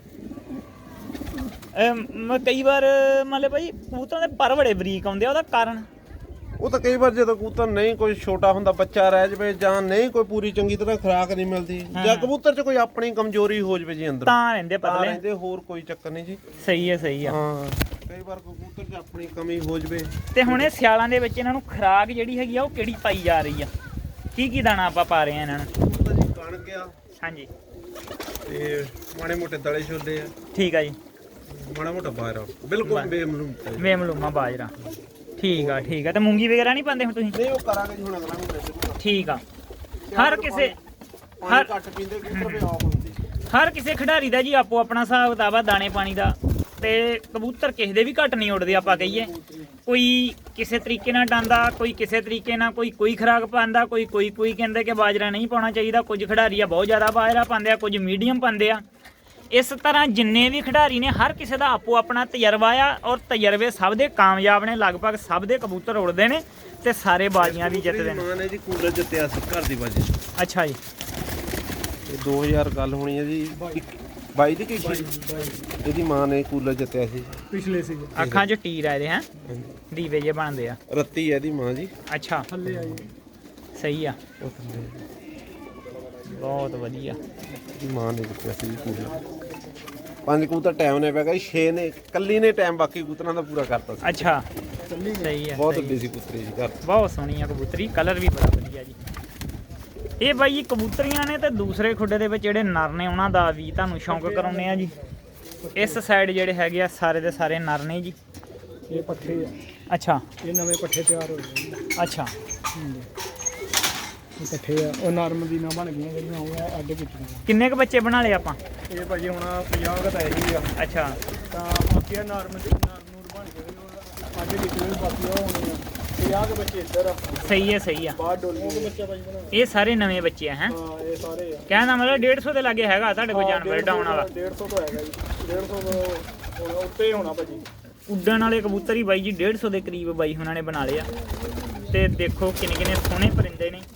ਅਮ ਕਈ ਵਾਰ ਮੰਨ ਲਓ ਭਾਈ ਕਬੂਤਰਾਂ ਦੇ ਪਰ ਬੜੇ ਬਰੀਕ ਆਉਂਦੇ ਆ, ਉਹਦਾ ਕਾਰਨ? ਉਹ ਤਾਂ ਕਈ ਵਾਰ ਜਦੋਂ ਕਬੂਤਰ ਨਹੀਂ ਕੋਈ ਛੋਟਾ ਹੁੰਦਾ, ਬੱਚਾ ਰਹਿ ਜਵੇ, ਜਾਂ ਨਹੀਂ ਕੋਈ ਪੂਰੀ ਚੰਗੀ ਤਰ੍ਹਾਂ ਖੁਰਾਕ ਨਹੀਂ ਮਿਲਦੀ, ਜਾਂ ਕਬੂਤਰ 'ਚ ਕੋਈ ਆਪਣੀ ਕਮਜ਼ੋਰੀ ਹੋ ਜਵੇ ਜੀ ਅੰਦਰ, ਤਾਂ ਰਹਿੰਦੇ ਤਾਂ ਪਤਲੇ। ਰਹਿੰਦੇ, ਹੋਰ ਕੋਈ ਚੱਕਰ ਨਹੀਂ ਜੀ। ਸਹੀ ਹੈ ਸਹੀ ਆ। ਹਾਂ ਕਈ ਵਾਰ ਕਬੂਤਰ 'ਚ ਆਪਣੀ ਕਮੀ ਹੋ ਜਵੇ। ਤੇ ਹੁਣ ਇਹ ਸਿਆਲਾਂ ਦੇ ਵਿੱਚ ਇਹਨਾਂ ਨੂੰ ਖੁਰਾਕ ਜਿਹੜੀ ਹੈਗੀ ਆ ਉਹ ਕਿਹੜੀ ਪਾਈ ਜਾ ਰਹੀ ਆ? ਕੀ ਕੀ ਦਾਣਾ ਆਪਾਂ ਪਾ ਰਹੇ ਆ ਇਹਨਾਂ ਨੂੰ? ਕਬੂਤਰ ਜੀ ਕਣਕ ਆ, ਹਾਂਜੀ ਤੇ ਮਾੜੇ ਮੋਟੇ ਦਲੇ ਛੋਲੇ ਆ, ਠੀਕ ਆ ਜੀ। ਮਾੜਾ ਮੋਟਾ ਬਾਹਰ ਬਿਲਕੁਲ ਬੇਮਲੂਮ ਤੇ। ਵੇਮਲੂਮਾ ਬਾਜਰਾ, ਠੀਕ ਆ ਠੀਕ ਆ। ਤੇ ਮੂੰਗੀ ਵਗੈਰਾ ਨਹੀਂ ਪਾਉਂਦੇ ਹੁਣ ਤੁਸੀਂ? ਨਹੀਂ ਉਹ ਕਰਾਂਗੇ ਜੀ ਹੁਣ ਅਗਲਾ ਨੂੰ। ਠੀਕ ਆ। ਹਰ ਕਿਸੇ ਹਰ ਘੱਟ ਪੀਂਦੇ ਕਬੂਤਰ ਵੀ ਆਫ ਹੁੰਦੀ। ਹਰ ਕਿਸੇ ਖਿਡਾਰੀ ਦਾ ਜੀ ਆਪੋ ਆਪਣਾ ਹਿਸਾਬ ਕਿਤਾਬ ਆ ਦਾਣੇ ਪਾਣੀ ਦਾ। ਤੇ ਕਬੂਤਰ ਕਿਸੇ ਦੇ ਵੀ ਘੱਟ ਨਹੀਂ ਉੱਡਦੇ ਆਪਾਂ ਕਹੀਏ। ਕੋਈ ਕਿਸੇ ਤਰੀਕੇ ਨਾਲ ਡਾਂਦਾ, ਕੋਈ ਕਿਸੇ ਤਰੀਕੇ ਨਾਲ, ਕੋਈ ਕੋਈ ਖੁਰਾਕ ਪਾਉਂਦਾ, ਕੋਈ ਕੋਈ ਕੋਈ ਕਹਿੰਦੇ ਕਿ ਬਾਜਰਾ ਨਹੀਂ ਪਾਉਣਾ ਚਾਹੀਦਾ। ਕੁਝ ਖਿਡਾਰੀ ਆ ਬਹੁਤ ਜ਼ਿਆਦਾ ਬਾਜਰਾ ਪਾਉਂਦੇ ਆ, ਕੁਝ ਮੀਡੀਅਮ ਪਾਉਂਦੇ ਆ। ਇਸ ਤਰ੍ਹਾਂ ਜਿੰਨੇ ਵੀ ਖਿਡਾਰੀ ਨੇ ਹਰ ਕਿਸੇ ਦਾ ਆਪੋ ਆਪਣਾ ਤਜਰਬਾ ਆ, ਔਰ ਤਜਰਬੇ ਸਭ ਦੇ ਕਾਮਯਾਬ ਨੇ। ਲਗਭਗ ਸਭ ਦੇ ਕਬੂਤਰ ਉੜਦੇ ਨੇ ਤੇ ਸਾਰੇ ਬਾਜ਼ੀਆਂ ਵੀ ਜਿੱਤਦੇ ਨੇ। ਮਾਂ ਨੇ ਜੀ ਕੂਲਰ ਜਿੱਤਿਆ ਸੀ ਘਰ ਦੀ ਬਾਜੀ। ਅੱਛਾ ਜੀ, ਇਹ ਦੋ ਹਜ਼ਾਰ ਗੱਲ ਹੋਣੀ ਹੈ ਜੀ, ਬਾਈ ਦੀ ਕੀ ਇਹਦੀ ਮਾਂ ਨੇ ਕੂਲਰ ਜਿੱਤਿਆ ਸੀ ਪਿਛਲੇ ਸੀ ਅੱਖਾਂ 'ਚ ਟੀਰ ਆਏ ਦੇ ਹੈ, ਦੀਵੇ ਜੇ ਬਣਦੇ ਆ। ਰੱਤੀ ਹੈ ਇਹਦੀ ਮਾਂ ਜੀ। ਅੱਛਾ, ਥੱਲੇ ਆਈ ਸਹੀ ਆ, ਉਹ ਥੱਲੇ ਬਹੁਤ ਵਧੀਆ। ਇਹਦੀ ਮਾਂ ਨੇ ਜਿੱਤਿਆ ਸੀ ਕੂਲਰ। ਪੰਜ ਕਬੂਤਰ ਟਾਈਮ ਨੇ ਪੈ ਗਿਆ, ਛੇ ਨੇ ਕੱਲੀ ਨੇ ਟਾਈਮ ਬਾਕੀ ਕਬੂਤਰਾਂ ਦਾ ਪੂਰਾ ਕਰਤਾ ਸੀ। ਅੱਛਾ, ਸਹੀ ਆ, ਬਹੁਤ ਸਹੀ ਵੱਡੀ ਸੀ ਕਬੂਤਰੀ ਜੀ ਘਰ। ਬਹੁਤ ਸੋਹਣੀ ਆ ਕਬੂਤਰੀ, ਕਲਰ ਵੀ ਬੜਾ ਵਧੀਆ ਜੀ। ਇਹ ਬਾਈ ਜੀ ਕਬੂਤਰੀਆਂ ਨੇ ਤੇ ਦੂਸਰੇ ਖੁੱਡੇ ਦੇ ਵਿੱਚ ਜਿਹੜੇ ਨਰ ਨੇ ਉਹਨਾਂ ਦਾ ਵੀ ਤੁਹਾਨੂੰ ਸ਼ੌਂਕ ਕਰਾਉਂਦੇ ਆ ਜੀ। ਇਸ ਸਾਈਡ ਜਿਹੜੇ ਹੈਗੇ ਆ ਸਾਰੇ ਦੇ ਸਾਰੇ ਨਰ ਨੇ ਜੀ। ਇਹ ਪੱਠੇ ਆ। ਅੱਛਾ, ਇਹ ਨਵੇਂ ਪੱਠੇ ਤਿਆਰ ਹੋ ਗਏ। ਅੱਛਾ, ਇਹ ਪੱਠੇ ਆ, ਉਹ ਨਰਮ ਦੀ ਨਾ ਬਣ ਗਈਆਂ ਜਿਹੜੀਆਂ ਉਹ ਅੱਡ ਕੀਤੀਆਂ। ਕਿੰਨੇ ਕੁ ਬੱਚੇ ਬਣਾ ਲਏ ਆਪਾਂ? ਇਹ ਭਾਜੀ ਹੁਣ ਪੰਜਾਹ ਕੁ ਤਾਂ ਇਹੀ ਆ। ਅੱਛਾ, ਤਾਂ ਬਾਕੀ ਨਰਮ ਦੀ ਨਰ ਨੂਰ ਬਣ ਗਏ ਉਹ ਅੱਡ ਕੀਤੇ ਹੋਏ, ਬਾਕੀ ਉਹ ਹੋਣੇ ਆ। ਪੰਜਾਹ ਕੁ ਬੱਚੇ ਇੱਧਰ ਆ। ਸਹੀ ਹੈ, ਸਹੀ ਆ। ਬਾਹਰ ਡੋਲੀਆਂ ਦੇ ਬੱਚੇ ਭਾਜੀ ਬਣਾ। ਇਹ ਸਾਰੇ ਨਵੇਂ ਬੱਚੇ ਆ ਹੈ। ਹਾਂ, ਇਹ ਸਾਰੇ ਆ। ਕਹਿਣ ਦਾ ਮਤਲਬ ਡੇਢ ਸੌ ਦੇ ਲਾਗੇ ਹੈਗਾ ਤੁਹਾਡੇ ਕੋਲ ਜਾਨਵਰ ਡਾਉਣ ਵਾਲਾ? ਡੇਢ ਸੌ ਤੋਂ ਹੈਗਾ ਜੀ, ਡੇਢ ਸੌ ਤੋਂ ਹੁਣ ਉੱਤੇ ਹੋਣਾ ਭਾਜੀ। ਉੱਡਣ ਵਾਲੇ ਕਬੂਤਰ ਹੀ ਬਾਈ ਜੀ ਡੇਢ ਸੌ ਦੇ ਕਰੀਬ ਬਾਈ ਉਹਨਾਂ ਨੇ ਬਣਾ ਲਏ ਆ। ਤੇ ਦੇਖੋ ਕਿੰਨੇ ਕਿੰਨੇ ਸੋਹਣੇ ਪਰਿੰਦੇ ਨੇ।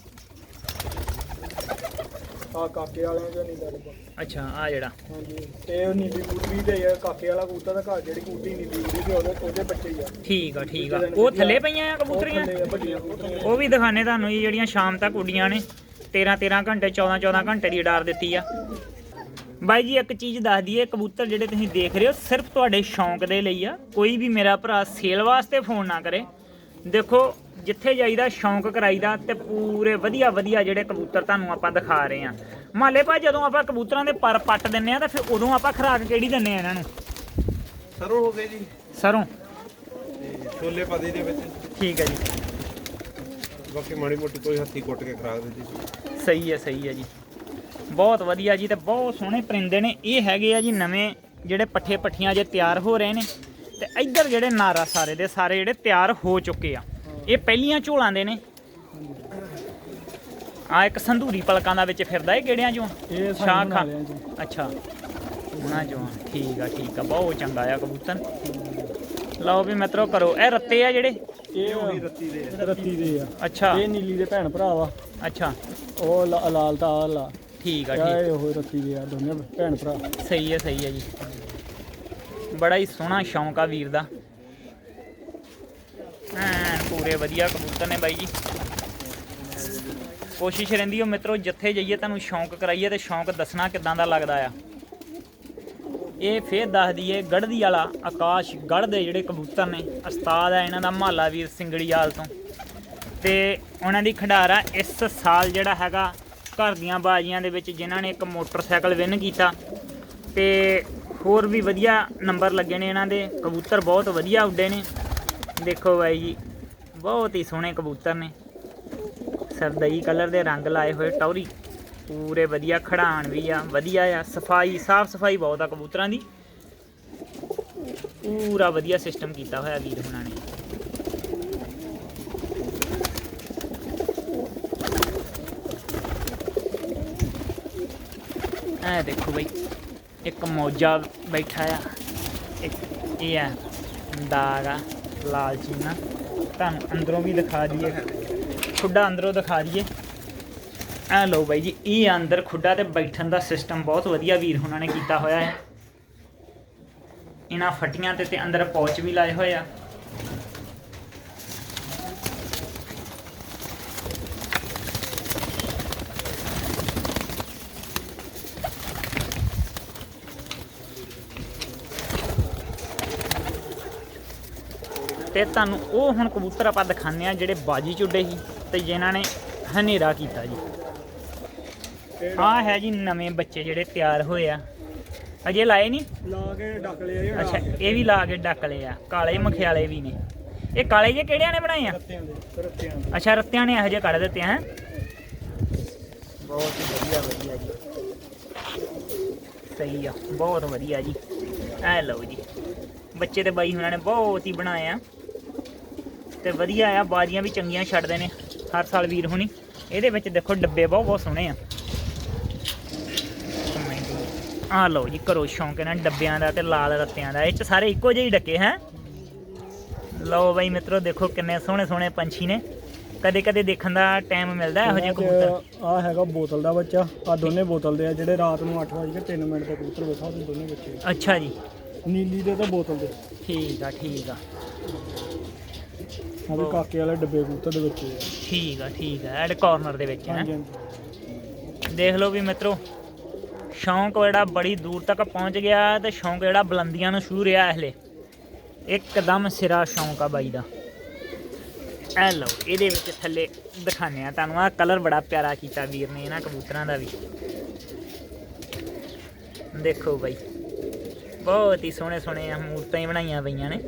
ਆ ਕਾਕੇ ਵਾਲਿਆਂ ਚੋਂ ਨਹੀਂ ਲੱਗਦਾ। ਅੱਛਾ, ਆ ਜਿਹੜਾ ਹਾਂਜੀ, ਤੇ ਉਹ ਨੀਲੀ ਕੂਟੀ ਤੇ ਆ ਕਾਕੇ ਵਾਲਾ ਕਬੂਤਰ ਦਾ ਘਰ, ਜਿਹੜੀ ਕੂਟੀ ਨੀਲੀ ਕੂਟੀ ਤੇ ਉਹਦੇ ਉਹਦੇ ਬੱਚੇ ਹੀ ਆ। ਠੀਕ ਆ, ਠੀਕ ਆ। ਉਹ ਥੱਲੇ ਪਈਆਂ ਆ ਕਬੂਤਰੀਆਂ? ਥੱਲੇ ਆ ਵੱਡੀਆਂ ਕਬੂਤਰੀਆਂ। ਉਹ ਵੀ ਦਿਖਾਣੇ ਤੁਹਾਨੂੰ ਜੀ, ਜਿਹੜੀਆਂ ਸ਼ਾਮ ਤੱਕ ਉੱਡੀਆਂ ਨੇ। ਤੇਰਾਂ ਤੇਰਾਂ ਘੰਟੇ ਚੌਦਾਂ ਚੌਦਾਂ ਘੰਟੇ ਦੀ ਉਡਾਰ ਦਿੱਤੀ ਆ। ਬਾਈ ਜੀ ਇੱਕ ਚੀਜ਼ ਦੱਸ ਦਈਏ, ਕਬੂਤਰ ਜਿਹੜੇ ਤੁਸੀਂ ਦੇਖ ਰਹੇ ਹੋ ਸਿਰਫ ਤੁਹਾਡੇ ਸ਼ੌਂਕ ਦੇ ਲਈ ਆ। ਕੋਈ ਵੀ ਮੇਰਾ ਭਰਾ ਸੇਲ ਵਾਸਤੇ ਫੋਨ ਨਾ ਕਰੇ। ਦੇਖੋ ਜਿੱਥੇ ਜਾਈਦਾ ਸ਼ੌਂਕ ਕਰਾਈਦਾ, ਤੇ ਪੂਰੇ ਵਧੀਆ ਵਧੀਆ ਜਿਹੜੇ ਕਬੂਤਰ ਤੁਹਾਨੂੰ ਆਪਾਂ ਦਿਖਾ ਰਹੇ ਆ। ਮਾਲੇ ਭਾਈ ਜਦੋਂ ਆਪਾਂ ਕਬੂਤਰਾਂ ਦੇ ਪਰ ਪੱਟ ਦਿੰਨੇ ਆ ਤਾਂ ਫਿਰ ਉਦੋਂ ਆਪਾਂ ਖੁਰਾਕ ਕਿਹੜੀ ਦਿੰਨੇ ਆ ਇਹਨਾਂ ਨੂੰ? ਸਰੋਂ ਹੋ ਗਏ ਜੀ, ਸਰੋਂ ਤੇ ਛੋਲੇ ਪਾਦੇ ਦੇ ਵਿੱਚ। ਠੀਕ ਹੈ ਜੀ, ਬਾਕੀ ਮਾੜੀ ਮੋਟੀ ਕੋਈ ਹੱਥੀ ਕੁੱਟ ਕੇ ਖਰਾਕ ਦਿੱਤੀ। ਸਹੀ ਹੈ, ਸਹੀ ਹੈ ਜੀ, ਬਹੁਤ ਵਧੀਆ ਜੀ। ਤੇ ਬਹੁਤ ਸੋਹਣੇ ਪਰਿੰਦੇ ਨੇ। ਇਹ ਹੈਗੇ ਆ ਜੀ ਨਵੇਂ ਜਿਹੜੇ ਪੱਠੇ ਪੱਠੀਆਂ ਜੇ ਤਿਆਰ ਹੋ ਰਹੇ ਨੇ। ਤੇ ਇੱਧਰ ਜਿਹੜੇ ਨਾਰਾ ਸਾਰੇ ਦੇ ਸਾਰੇ ਜਿਹੜੇ ਤਿਆਰ ਹੋ ਚੁੱਕੇ ਆ। ਇਹ ਪਹਿਲੀਆਂ ਝੋਲਾਂ ਦੇ ਨੇ। ਆ ਇੱਕ ਸੰਧੂਰੀ ਪਲਕਾਂ ਦਾ ਵਿੱਚ ਫਿਰਦਾ ਇਹ ਕਿਹੜਿਆਂ ਚੋਂ? ਇਹ ਸ਼ਾਹ ਖਾਂ। ਜੀ। ਅੱਛਾ, ਉਹਨਾਂ ਚੋਂ। ਠੀਕ ਆ, ਠੀਕ ਆ, ਬਹੁਤ ਚੰਗਾ ਆ ਕਬੂਤਰ। ਲਓ ਵੀ ਮਿੱਤਰੋ ਕਰੋ। ਇਹ ਰੱਤੇ ਆ ਜਿਹੜੇ? ਇਹ ਉਹੀ ਰੱਤੀ ਦੇ ਆ। ਰੱਤੀ ਦੇ ਆ। ਅੱਛਾ, ਇਹ ਨੀਲੀ ਦੇ ਭੈਣ ਭਰਾ ਵਾ। ਅੱਛਾ, ਉਹ ਲਾ- ਲਾਲ ਤਾਂ ਆ ਲਾ। ਠੀਕ ਆ, ਇਹ ਠੀਕ। ਉਹ ਰੱਤੀ ਦੇ ਆ, ਦੋਨੇ ਭੈਣ ਭਰਾ। ਸਹੀ ਹੈ, ਸਹੀ ਹੈ ਜੀ। ਬੜਾ ਹੀ ਸੋਹਣਾ ਸ਼ੌਂਕ ਆ ਵੀਰ ਦਾ। ਐਨ ਪੂਰੇ ਵਧੀਆ ਕਬੂਤਰ ਨੇ ਬਾਈ ਜੀ। ਕੋਸ਼ਿਸ਼ ਰਹਿੰਦੀ ਹੋ ਮਿੱਤਰੋ ਜਿੱਥੇ ਜਾਈਏ ਤੁਹਾਨੂੰ ਸ਼ੌਂਕ ਕਰਾਈਏ, ਤੇ ਸ਼ੌਂਕ ਦੱਸਣਾ ਕਿੱਦਾਂ ਦਾ ਲੱਗਦਾ ਆ। ਇਹ ਫੇਰ ਦੱਸ ਦਈਏ ਗੜ੍ਹਦੀ ਵਾਲਾ ਆਕਾਸ਼ ਗੜ੍ਹ ਦੇ ਜਿਹੜੇ ਕਬੂਤਰ ਨੇ, ਉਸਤਾਦ ਆ ਇਹਨਾਂ ਦਾ ਮਹਾਲਾ ਵੀਰ ਸਿੰਗੜੀਆਲ ਤੋਂ। ਤੇ ਉਹਨਾਂ ਦੀ ਖਿਡਾਰਾ ਇਸ ਸਾਲ ਜਿਹੜਾ ਹੈਗਾ ਘਰ ਦੀਆਂ ਬਾਜ਼ੀਆਂ ਦੇ ਵਿੱਚ ਜਿਨ੍ਹਾਂ ਨੇ ਇੱਕ ਮੋਟਰਸਾਈਕਲ ਵਿਨ ਕੀਤਾ, ਤੇ ਹੋਰ ਵੀ ਵਧੀਆ ਨੰਬਰ ਲੱਗੇ ਨੇ ਇਹਨਾਂ ਦੇ। ਕਬੂਤਰ ਬਹੁਤ ਵਧੀਆ ਉੱਡੇ ਨੇ। ਦੇਖੋ ਬਾਈ ਜੀ, ਬਹੁਤ ਹੀ ਸੋਹਣੇ ਕਬੂਤਰ ਨੇ। ਸਰਦਈ ਕਲਰ ਦੇ ਰੰਗ ਲਾਏ ਹੋਏ, ਟੌਰੀ ਪੂਰੇ ਵਧੀਆ, ਖੜਾਣ ਵੀ ਆ ਵਧੀਆ ਆ। ਸਫਾਈ ਸਾਫ ਸਫਾਈ ਬਹੁਤ ਆ ਕਬੂਤਰਾਂ ਦੀ। ਪੂਰਾ ਵਧੀਆ ਸਿਸਟਮ ਕੀਤਾ ਹੋਇਆ ਵੀਰ ਹੁਣਾਂ ਨੇ। ਐ ਦੇਖੋ ਬਈ, ਇੱਕ ਮੌਜਾ ਬੈਠਾ ਆ, ਇੱਕ ਇਹ ਆ ਦਾਗ ਆ ਲਾਲ ਚੀਨਾ। ਤੁਹਾਨੂੰ ਅੰਦਰੋਂ ਵੀ ਦਿਖਾ ਦਈਏ, ਖੁੱਡਾ ਅੰਦਰੋਂ ਦਿਖਾ ਦਈਏ। ਐ ਲਓ ਬਾਈ ਜੀ, ਇਹ ਅੰਦਰ ਖੁੱਡਾ ਤੇ ਬੈਠਣ ਦਾ ਸਿਸਟਮ ਬਹੁਤ ਵਧੀਆ ਵੀਰ ਹੁਣਾਂ ਨੇ ਕੀਤਾ ਹੋਇਆ ਹੈ। ਇਹਨਾਂ ਫੱਟੀਆਂ ਤੇ ਤੇ ਅੰਦਰ ਪੌਚ ਵੀ ਲਾਏ ਹੋਏ ਆ। ਤੇ ਤੁਹਾਨੂੰ ਉਹ ਹੁਣ ਕਬੂਤਰ ਆਪਾਂ ਦਿਖਾਉਂਦੇ ਆ ਜਿਹੜੇ ਬਾਜੀ ਚੁੱਡੇ ਸੀ ਤੇ ਜਿਨ੍ਹਾਂ ਨੇ ਹਨੇਰਾ ਕੀਤਾ ਜੀ। ਆਹ ਹੈ ਜੀ ਨਵੇਂ ਬੱਚੇ ਜਿਹੜੇ ਤਿਆਰ ਹੋਏ ਆ, ਅਜੇ ਲਾਏ ਨਹੀਂ, ਲਾ ਕੇ ਡੱਕ ਲਿਆ। ਅੱਛਾ, ਇਹ ਵੀ ਲਾ ਕੇ ਡੱਕ ਲਏ ਆ। ਕਾਲੇ ਮਖਿਆਲੇ ਵੀ ਨੇ। ਇਹ ਕਾਲੇ ਜੇ ਕਿਹੜਿਆਂ ਨੇ ਬਣਾਏ ਆ? ਰੱਤਿਆਂ ਦੇ। ਰੱਤਿਆਂ ਦੇ। ਅੱਛਾ, ਰੱਤਿਆਂ ਨੇ ਇਹੋ ਜਿਹੇ ਕੱਢ ਦਿੱਤੇ ਹੈ। ਬਹੁਤ ਹੀ ਵਧੀਆ ਵਧੀਆ ਜੀ, ਸਹੀ ਆ, ਬਹੁਤ ਵਧੀਆ ਜੀ। ਐ ਲਓ ਜੀ ਬੱਚੇ ਤੇ ਬਾਈ ਹੁਣਾਂ ਨੇ ਬਹੁਤ ਹੀ ਬਣਾਏ ਆ ਤੇ ਵਧੀਆ ਆ, ਬਾਜ਼ੀਆਂ ਵੀ ਚੰਗੀਆਂ ਛੱਡਦੇ ਨੇ ਹਰ ਸਾਲ ਵੀਰ ਹੁਣੀ। ਇਹਦੇ ਵਿੱਚ ਦੇਖੋ ਡੱਬੇ ਬਹੁਤ ਬਹੁਤ ਸੋਹਣੇ ਆ। ਆ ਲਓ ਜੀ ਕਰੋ ਸ਼ੌਂਕ ਇਹਨਾਂ ਡੱਬਿਆਂ ਦਾ ਤੇ ਲਾਲ ਰੱਤਿਆਂ ਦਾ, ਇਹ 'ਚ ਸਾਰੇ ਇੱਕੋ ਜਿਹੇ ਡੱਕੇ ਹੈ। ਲਓ ਬਾਈ ਮਿੱਤਰੋ ਦੇਖੋ ਕਿੰਨੇ ਸੋਹਣੇ ਸੋਹਣੇ ਪੰਛੀ ਨੇ, ਕਦੇ ਕਦੇ ਦੇਖਣ ਦਾ ਟਾਈਮ ਮਿਲਦਾ ਇਹੋ ਜਿਹੇ ਕਬੂਤਰ। ਆ ਹੈਗਾ ਬੋਤਲ ਦਾ ਬੱਚਾ, ਆ ਦੋਨੇ ਬੋਤਲ ਦੇ ਆ ਜਿਹੜੇ ਰਾਤ ਨੂੰ ਅੱਠ ਵਜੇ ਤਿੰਨ ਮਿੰਟ ਤੇ ਕਬੂਤਰ ਵੇਖਾ ਉਹ ਦੋਨੇ ਬੱਚੇ। ਅੱਛਾ ਜੀ, ਨੀਲੀ ਦੇ ਤੇ ਬੋਤਲ ਦੇ। ਠੀਕ ਆ ਠੀਕ ਆ ਆ ਵੀ ਕਾਕੇ ਵਾਲੇ ਡੱਬੇ ਕਬੂਤਰ ਦੇ ਵਿੱਚ ਆ। ਠੀਕ ਆ ਠੀਕ ਆ ਐਡ ਕਾਰਨਰ ਦੇ ਵਿੱਚ ਹੈ। ਹਾਂਜੀ ਹਾਂਜੀ ਦੇਖ ਲਓ ਵੀ ਮਿੱਤਰੋ ਸ਼ੌਂਕ ਜਿਹੜਾ ਬੜੀ ਦੂਰ ਤੱਕ ਪਹੁੰਚ ਗਿਆ ਤੇ ਸ਼ੌਂਕ ਜਿਹੜਾ ਬੁਲੰਦੀਆਂ ਨੂੰ ਛੂ ਰਿਹਾ ਹਲੇ, ਇੱਕਦਮ ਸਿਰਾ ਸ਼ੌਂਕ ਆ ਬਾਈ ਦਾ। ਐ ਲਓ ਇਹਦੇ ਵਿੱਚ ਥੱਲੇ ਦਿਖਾਉਂਦੇ ਆ ਤੁਹਾਨੂੰ, ਆਹ ਕਲਰ ਬੜਾ ਪਿਆਰਾ ਕੀਤਾ ਵੀਰ ਨੇ ਇਹਨਾਂ ਕਬੂਤਰਾਂ ਦਾ ਵੀ। ਦੇਖੋ ਬਾਈ ਬਹੁਤ ਹੀ ਸੋਹਣੇ ਸੋਹਣੇ ਮੂਰਤਾਂ ਹੀ ਬਣਾਈਆਂ ਪਈਆਂ ਨੇ।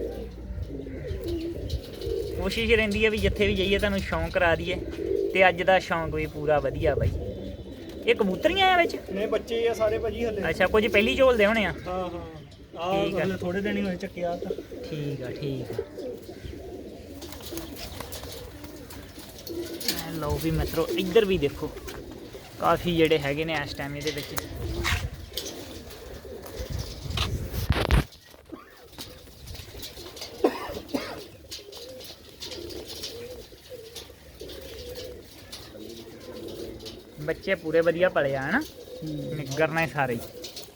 ਕੋਸ਼ਿਸ਼ ਰਹਿੰਦੀ ਹੈ ਵੀ ਜਿੱਥੇ ਵੀ ਜਾਈਏ ਤੁਹਾਨੂੰ ਸ਼ੌਂਕ ਕਰਾ ਦਈਏ, ਤੇ ਅੱਜ ਦਾ ਸ਼ੌਂਕ ਵੀ ਪੂਰਾ ਵਧੀਆ ਬਾਈ। ਇਹ ਕਬੂਤਰੀਆਂ ਆ ਵਿੱਚ? ਨਹੀਂ ਬੱਚੇ ਆ ਸਾਰੇ ਭਾਜੀ ਹਲੇ। ਅੱਛਾ ਕੁਝ ਪਹਿਲੀ ਝੋਲਦੇ ਹੋਣੇ ਆ। ਹਾਂ ਹਾਂ ਠੀਕ ਆ। ਆ ਥੋੜੇ ਦਿਨ ਹੀ ਹੋਏ ਚੱਕਿਆ ਤਾਂ। ਠੀਕ ਆ ਠੀਕ ਆ ਐ ਲਓ ਵੀ ਮਿੱਤਰੋ ਇੱਧਰ ਵੀ ਦੇਖੋ ਕਾਫੀ ਜਿਹੜੇ ਹੈਗੇ ਨੇ ਇਸ ਟਾਈਮ ਇਹਦੇ ਵਿੱਚ। ਬੱਚੇ ਪੂਰੇ ਵਧੀਆ ਪਲੇ ਆ ਹਨਾ, ਨਿੱਗਰ ਨੇ ਸਾਰੇ ਹੀ।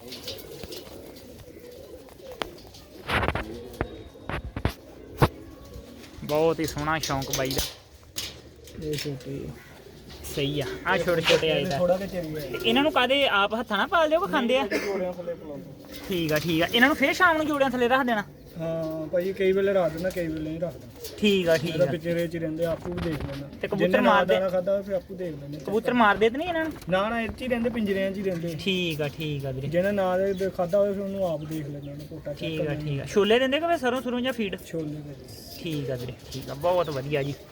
ਬਹੁਤ ਹੀ ਸੋਹਣਾ ਸ਼ੌਂਕ ਬਾਈ ਦਾ। ਇਹ ਛੋਟੇ ਸਹੀ ਆ, ਆ ਛੋਟੇ ਛੋਟੇ ਆਏ ਤਾਂ ਥੋੜਾ ਕਿ ਚੰਗੇ ਤੇ ਇਹਨਾਂ ਨੂੰ ਕਾਦੇ ਆਪ ਹੱਥਾਂ ਨਾਲ ਪਾਲਦੇ ਹੋ ਕਿ ਖਾਂਦੇ ਆ? ਜੋੜਿਆਂ ਥੱਲੇ ਪਲਾਉਂਦੇ। ਠੀਕ ਆ ਠੀਕ ਆ, ਇਹਨਾਂ ਨੂੰ ਫੇਰ ਸ਼ਾਮ ਨੂੰ ਜੋੜਿਆਂ ਥੱਲੇ ਰੱਖ ਦੇਣਾ? ਹਾਂ ਭਾਜੀ ਕਈ ਵੇਲੇ ਰੱਖ ਦਿੰਦਾ ਕਈ ਵੇਲੇ ਨਹੀਂ ਰੱਖਦਾ। ਠੀਕ ਆ ਠੀਕ ਇਹਦਾ ਆ। ਪਿੱਛੇ ਰੇਚ ਰਹਿੰਦੇ ਆਪੂ ਵੀ ਦੇਖ ਲੈਂਦਾ ਤੇ ਕਬੂਤਰ ਮਾਰਦੇ ਖਾਦਾ ਫਿਰ ਆਪੂ ਦੇਖ ਲੈਂਦੇ। ਕਬੂਤਰ ਮਾਰਦੇ ਤੇ ਨਹੀਂ ਇਹਨਾਂ ਨੂੰ? ਨਾ ਨਾ ਇੱਥੇ ਹੀ ਰਹਿੰਦੇ ਪਿੰਜਰਿਆਂ 'ਚ ਹੀ ਰਹਿੰਦੇ। ਠੀਕ ਆ ਠੀਕ ਆ ਵੀਰੇ। ਜਿਹਨੇ ਨਾ ਦੇ ਖਾਦਾ ਹੋਵੇ ਫਿਰ ਉਹਨੂੰ ਆਪ ਦੇਖ ਲੈਂਦਾ ਉਹਨੂੰ ਕੋਟਾ ਚੈੱਕ ਠੀਕ ਆ ਠੀਕ ਆ। ਛੋਲੇ ਦਿੰਦੇ ਕਿ ਸਰੋਂ ਸਰੋਂ ਜਾਂ ਫੀਡ? ਛੋਲੇ ਦੇ। ਠੀਕ ਆ ਵੀਰੇ ਠੀਕ ਆ, ਬਹੁਤ ਵਧੀਆ ਜੀ।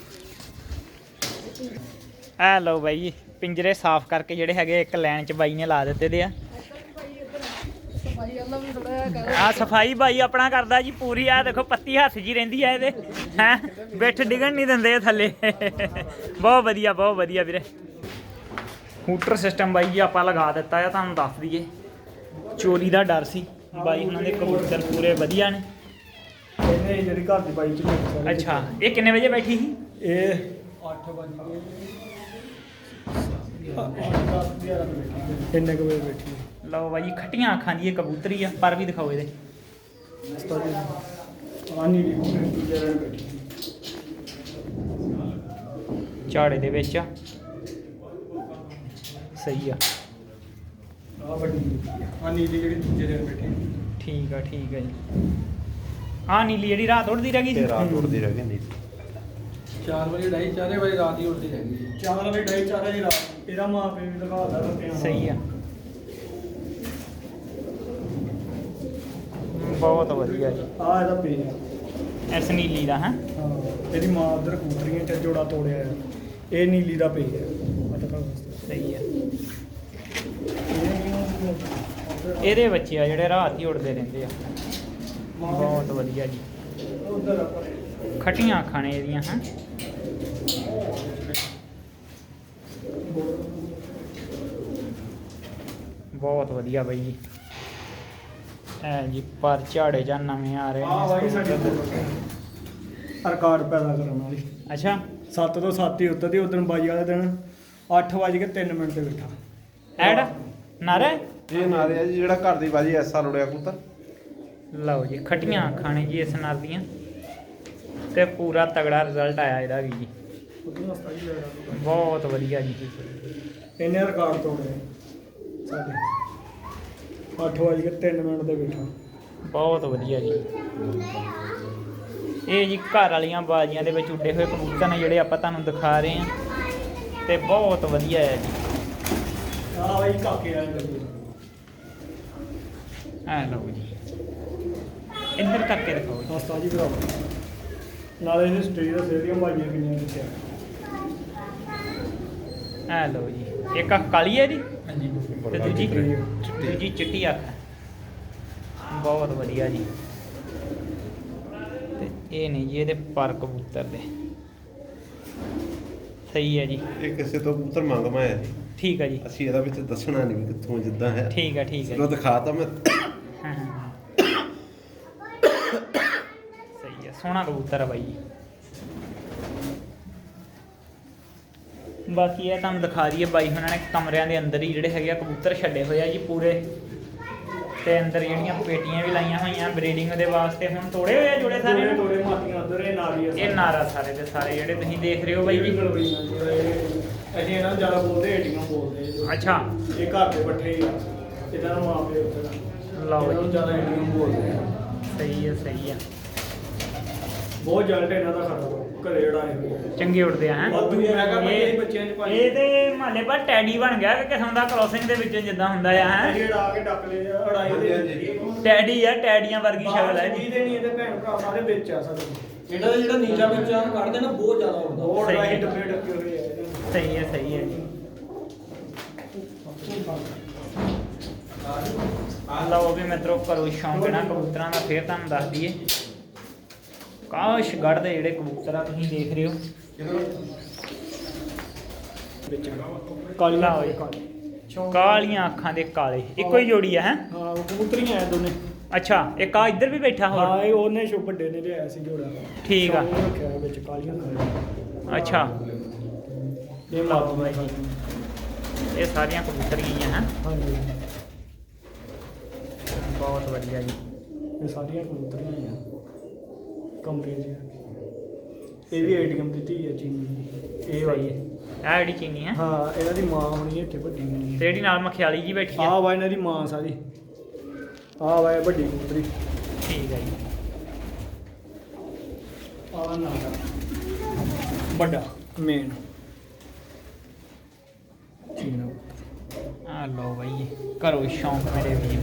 ਆ ਲਓ ਬਾਈ ਜੀ ਪਿੰਜਰੇ ਸਾਫ਼ ਕਰਕੇ ਜਿਹੜੇ ਹੈਗੇ ਇੱਕ ਲਾਈਨ 'ਚ ਬਾਈ ਨੇ ਲਾ ਦਿੱਤੇ ਦੇ ਆ। ਆ ਸਫਾਈ ਬਾਈ ਆਪਣਾ ਕਰਦਾ ਜੀ ਪੂਰੀ। ਆ ਦੇਖੋ ਪੱਤੀ ਹੱਥ ਜੀ ਰਹਿੰਦੀ ਆ ਇਹਦੇ ਹੈ, ਬਿੱਠ ਡਿੱਗਣ ਨਹੀਂ ਦਿੰਦੇ ਥੱਲੇ। ਬਹੁਤ ਵਧੀਆ ਬਹੁਤ ਵਧੀਆ ਵੀਰੇ। ਹੂਟਰ ਸਿਸਟਮ ਬਾਈ ਜੀ ਆਪਾਂ ਲਗਾ ਦਿੱਤਾ ਆ, ਤੁਹਾਨੂੰ ਦੱਸ ਦਈਏ ਚੋਰੀ ਦਾ ਡਰ ਸੀ। ਬਾਈ ਉਹਨਾਂ ਦੇ ਕਬੂਤਰ ਪੂਰੇ ਵਧੀਆ ਨੇ। ਇਹਨੇ ਜਿਹੜੀ ਘਰ ਦੀ ਬਾਈ 'ਚ ਸਾਰੇ। ਅੱਛਾ ਇਹ ਕਿੰਨੇ ਵਜੇ ਬੈਠੀ ਸੀ? ਇਹ ਅੱਠ ਵਜੇ ਇੰਨੇ ਕੁ ਵਜੇ ਬੈਠੀ। ਲਓ ਬਾਈ ਖੱਟੀਆਂ ਅੱਖਾਂ ਦੀ ਇਹ ਕਬੂਤਰੀ ਆ, ਪਰ ਵੀ ਦਿਖਾਓ ਇਹਦੇ। ਝਾੜੇ ਦੇ ਵਿੱਚ ਆ, ਸਹੀ ਆ। ਆ ਵੱਡੀ ਆ ਨੀਲੀ ਜਿਹੜੀ ਦੂਜੇ ਦਿਨ ਬੈਠੀ। ਠੀਕ ਆ ਠੀਕ ਆ ਜੀ। ਆ ਨੀਲੀ ਜਿਹੜੀ ਰਾਤ ਉੱਡਦੀ ਰਹਿ ਗਈ ਸੀ? ਰਾਤ ਉੱਡਦੀ ਰਹਿ ਗਈ। ਚਾਰ ਵਜੇ ਡਾਈ ਚਾਰੇ ਵਜੇ ਰਾਤ ਹੀ ਉੱਡਦੀ ਰਹਿ ਗਈ। ਚਾਰ ਵਜੇ ਡਾਈ ਚਾਰ ਵਜੇ ਰਾਤ। ਇਹਦਾ ਮਾਂ ਪਿਓ ਵੀ ਦਿਖਾਉਂਦਾ ਰੱਤਿਆਂ। ਸਹੀ ਆ ਬਹੁਤ ਵਧੀਆ ਜੀ। ਆ ਇਹਦਾ ਪੇ ਇਸ ਨੀਲੀ ਦਾ ਹੈ। ਹਾਂ ਇਹਦੀ ਮਾਂ ਉਧਰ ਕਬੂਤਰੀਆਂ ਚ ਜੋੜਾ ਤੋੜਿਆ ਹੈ। ਇਹ ਨੀਲੀ ਦਾ ਪੇ ਹੈ। ਸਹੀ ਆ। ਇਹਦੇ ਬੱਚੇ ਆ ਜਿਹੜੇ ਰਾਤ ਹੀ ਉੱਡਦੇ ਰਹਿੰਦੇ ਆ। ਬਹੁਤ ਵਧੀਆ ਜੀ। ਖੱਟੀਆਂ ਅੱਖਾਂ ਨੇ ਇਹਦੀਆਂ ਹੈ। ਬਹੁਤ ਵਧੀਆ ਬਾਈ ਜੀ। ਐ ਜੀ ਪਰ ਝਾੜੇ ਜਾਂ ਨਵੇਂ ਆ ਰਹੇ ਆ ਬਾਈ ਸਾਡੇ ਰਿਕਾਰਡ ਪੈਦਾ ਕਰਨ ਵਾਲੀ। ਅੱਛਾ ਸੱਤ ਤੋਂ ਸੱਤ ਹੀ ਉੱਤਰ ਦੀ ਉਦੋਂ ਬਾਈ ਵਾਲੇ ਦਿਨ ਅੱਠ ਵਜ ਕੇ ਤਿੰਨ ਮਿੰਟ ਤੇ ਬੈਠਾ। ਐਡ ਨਾਰੇ ਇਹ ਨਾਰੇ ਆ ਜੀ ਜਿਹੜਾ ਘਰ ਦੀ ਬਾਜੀ ਐਸਾ ਲੁੜਿਆ ਕਬੂਤਰ। ਲਓ ਜੀ ਖੱਟੀਆਂ ਅੱਖਾਂ ਨੇ ਜੀ ਇਸ ਨਾਲ ਦੀਆਂ ਤੇ ਪੂਰਾ ਤਗੜਾ ਰਿਜ਼ਲਟ ਆਇਆ ਇਹਦਾ ਵੀ ਜੀ। ਬਹੁਤ ਵਧੀਆ ਜੀ। ਇਹਨੇ ਰਿਕਾਰਡ ਤੋੜੇ ਸਾਡੇ ਅੱਠ ਵਜ ਕੇ ਤਿੰਨ ਮਿੰਟ ਤੇ ਬੈਠਾ। ਬਹੁਤ ਵਧੀਆ ਜੀ। ਇਹ ਜੀ ਘਰ ਵਾਲੀਆਂ ਬਾਜ਼ੀਆਂ ਦੇ ਵਿੱਚ ਉੱਡੇ ਹੋਏ ਕਬੂਤਰ ਨੇ ਜਿਹੜੇ ਆਪਾਂ ਤੁਹਾਨੂੰ ਦਿਖਾ ਰਹੇ ਹਾਂ ਤੇ ਬਹੁਤ ਵਧੀਆ ਹੈ ਜੀ। ਆ ਬਾਈ ਕਾਕੇ ਵਾਲੇ ਆ ਲਓ ਜੀ ਇੱਧਰ ਕਰਕੇ ਦਿਖਾਓ ਜੀ। ਹਸਤਾ ਜੀ ਭਰਾ ਨਾਲੇ ਇਹ ਸਟੇਜ ਦਾ ਸੇਰੀਆਂ ਬਾਈਆਂ ਕਿੰਨੀਆਂ ਦਿੱਤੀਆਂ। ਆ ਲਓ ਜੀ ਇੱਕ ਅੱਖ ਕਾਲੀ ਹੈ ਜੀ ਹਾਂਜੀ ਤੇ ਦੂਜੀ ਦੂਜੀ ਚਿੱਟੀ ਅੱਖ ਹੈ। ਬਹੁਤ ਵਧੀਆ ਜੀ। ਤੇ ਇਹ ਨਹੀਂ ਜੀ ਇਹਦੇ ਪਰ ਕਬੂਤਰ ਦੇ ਸਹੀ ਹੈ ਜੀ। ਇਹ ਕਿਸੇ ਤੋਂ ਕਬੂਤਰ ਮੰਗਵਾ ਹੈ ਜੀ। ਠੀਕ ਹੈ ਜੀ। ਅਸੀਂ ਇਹਦਾ ਵਿੱਚ ਦੱਸਣਾ ਨਹੀਂ ਵੀ ਕਿੱਥੋਂ ਜਿੱਦਾਂ ਹੈ। ਠੀਕ ਹੈ ਠੀਕ ਹੈ ਚਲੋ ਦਿਖਾਤਾ ਮੈਂ। ਹਾਂ ਹਾਂ ਸਹੀ ਹੈ, ਸੋਹਣਾ ਕਬੂਤਰ ਹੈ ਬਾਈ ਜੀ। ਬਾਕੀ ਇਹ ਤੁਹਾਨੂੰ ਦਿਖਾ ਦਈਏ ਬਾਈ ਉਹਨਾਂ ਨੇ ਕਮਰਿਆਂ ਦੇ ਅੰਦਰ ਹੀ ਜਿਹੜੇ ਹੈਗੇ ਆ ਕਬੂਤਰ ਛੱਡੇ ਹੋਏ ਆ ਜੀ ਪੂਰੇ, ਤੇ ਅੰਦਰ ਜਿਹੜੀਆਂ ਪੇਟੀਆਂ ਵੀ ਲਾਈਆਂ ਹੋਈਆਂ ਬਰੀਡਿੰਗ ਦੇ ਵਾਸਤੇ। ਹੁਣ ਤੋੜੇ ਹੋਏ ਆ ਜੋੜੇ ਸਾਰੇ ਨਾ? ਤੋੜੇ ਮਾਤੀਆਂ ਉਧਰ ਇਹ ਨਾਰੀ ਆ। ਇਹ ਨਾਰਾ ਸਾਰੇ ਦੇ ਸਾਰੇ ਜਿਹੜੇ ਤੁਸੀਂ ਦੇਖ ਰਹੇ ਹੋ ਬਾਈ ਜੀ। ਅਸੀਂ ਇਹਨਾਂ ਨੂੰ ਜ਼ਿਆਦਾ ਬੋਲਦੇ ਏਟੀਆਂ ਬੋਲਦੇ ਆ। ਅੱਛਾ ਇਹ ਘਰ ਦੇ ਪੱਠੇ ਹੀ ਆ, ਇਹਨਾਂ ਨੂੰ ਮਾਪੇ ਉੱਧਰ ਲਓ ਇਹਨਾਂ ਨੂੰ ਜੀ, ਜ਼ਿਆਦਾ ਏਟੀਆਂ ਬੋਲਦੇ ਆ। ਸਹੀ ਹੈ ਸਹੀ ਹੈ, ਬਹੁਤ ਜਲਟ ਇਹਨਾਂ ਦਾ ਖੜਾ ਘਰੇ ਉਡਾਏ ਹੋਏ ਆ। ਚੰਗੇ ਉੱਡਦੇ ਆ ਹੈ। ਵਾਧੂ ਮੈਂ ਕਿਹਾ ਬੱਚੇ ਇਹ ਬੱਚਿਆਂ ਚ ਪਾਈ ਇਹ ਤੇ ਮਹੱਲੇ ਪਰ ਟੈਡੀ ਬਣ ਗਿਆ ਕਿ ਕਿਸਮ ਦਾ ਕ੍ਰੋਸਿੰਗ ਦੇ ਵਿੱਚ ਜਿੱਦਾਂ ਹੁੰਦਾ ਆ ਹੈ। ਇਹ ਉਡਾ ਕੇ ਡੱਕ ਲਏ ਆ, ਉਡਾਏ ਦੇ ਟੈਡੀ ਆ, ਟੈਡੀਆਂ ਵਰਗੀ ਸ਼ਕਲ ਹੈ ਜੀ। ਇਹਦੇ ਨਹੀਂ ਇਹਦੇ ਭੈਣ ਭਰਾ ਸਾਰੇ ਵਿੱਚ ਆ ਸਾਡੇ। ਇਹਨਾਂ ਦਾ ਜਿਹੜਾ ਨੀਚਾ ਬੱਚਾ ਕੱਢਦੇ ਨਾ ਬਹੁਤ ਜ਼ਿਆਦਾ ਉੱਡਦਾ। ਬਹੁਤ ਸਹੀ ਉਡਾਏ ਹੈ। ਡੱਬੇ ਡੱਕੇ ਹੋਏ ਆ ਇਹਦੇ। ਸਹੀ ਹੈ ਸਹੀ ਹੈ ਜੀ। ਲਓ ਵੀ ਮਿੱਤਰੋ, ਕਰੋ ਸ਼ੌਂਕ ਨਾ ਕਬੂਤਰਾਂ ਦਾ। ਫੇਰ ਤੁਹਾਨੂੰ ਦੱਸ ਦਈਏ ਕਾਸ਼ਗੜ੍ਹ ਦੇ ਜਿਹੜੇ ਕਬੂਤਰ ਆ ਤੁਸੀਂ ਦੇਖ ਰਹੇ ਹੋ। ਕਾਲੀਆਂ ਲਓ ਜੀ, ਕਾਲੀ ਕਾਲੀਆਂ ਅੱਖਾਂ ਦੇ ਕਾਲੇ ਇੱਕੋ ਹੀ ਜੋੜੀ ਆ ਹੈ। ਹਾਂ ਉਹ ਕਬੂਤਰੀਆਂ ਆ ਦੋਨੇ। ਅੱਛਾ ਇੱਕ ਆ ਇੱਧਰ ਵੀ ਬੈਠਾ ਹੋਰ? ਹਾਂ ਇਹ ਉਹਨੇ ਸ਼ੋ ਵੱਡੇ ਨੇ ਲਿਆਇਆ ਸੀ ਜੋੜਾ। ਠੀਕ ਆ। ਉਹ ਰੱਖਿਆ ਹੋਇਆ ਵਿੱਚ ਕਾਲੀਆਂ ਕਾਲੀਆਂ। ਅੱਛਾ ਇਹ ਲਓ ਮਾਪੇ ਬਾਈ ਜੀ, ਇਹ ਸਾਰੀਆਂ ਕਬੂਤਰ ਗਈਆਂ ਹੈ। ਹਾਂਜੀ ਬਹੁਤ ਵਧੀਆ ਜੀ। ਇਹ ਸਾਰੀਆਂ ਕਬੂਤਰੀਆਂ ਆ ਕਮਰੇ 'ਚ। ਇਹ ਵੀ ਏਟੀਐਮ ਦੀ ਧੀ ਹੈ ਚੀਨੀ। ਇਹ ਵਾਲੀ ਇਹ ਜਿਹੜੀ ਚੀਨੀ ਹੈ ਹਾਂ ਇਹਨਾਂ ਦੀ ਮਾਂ ਹੋਣੀ ਇੱਥੇ ਵੱਡੀ ਹੋਣੀ। ਤੇ ਜਿਹੜੀ ਨਾਲ ਮਖਿਆਲੀ ਜੀ ਬੈਠੀ ਆ। ਆਹ ਵਾ ਇਹਨਾਂ ਦੀ ਮਾਂ ਸਾਰੀ। ਆਹ ਵਾ ਇਹ ਵੱਡੀ ਕਬੂਤਰੀ। ਠੀਕ ਹੈ ਜੀ। ਆਹ ਨਾ ਵੱਡਾ ਮੇਨ ਚੀਨਾ। ਆ ਲਓ ਬਾਈ, ਕਰੋ ਸ਼ੌਂਕ ਮੇਰੇ ਵੀਰ।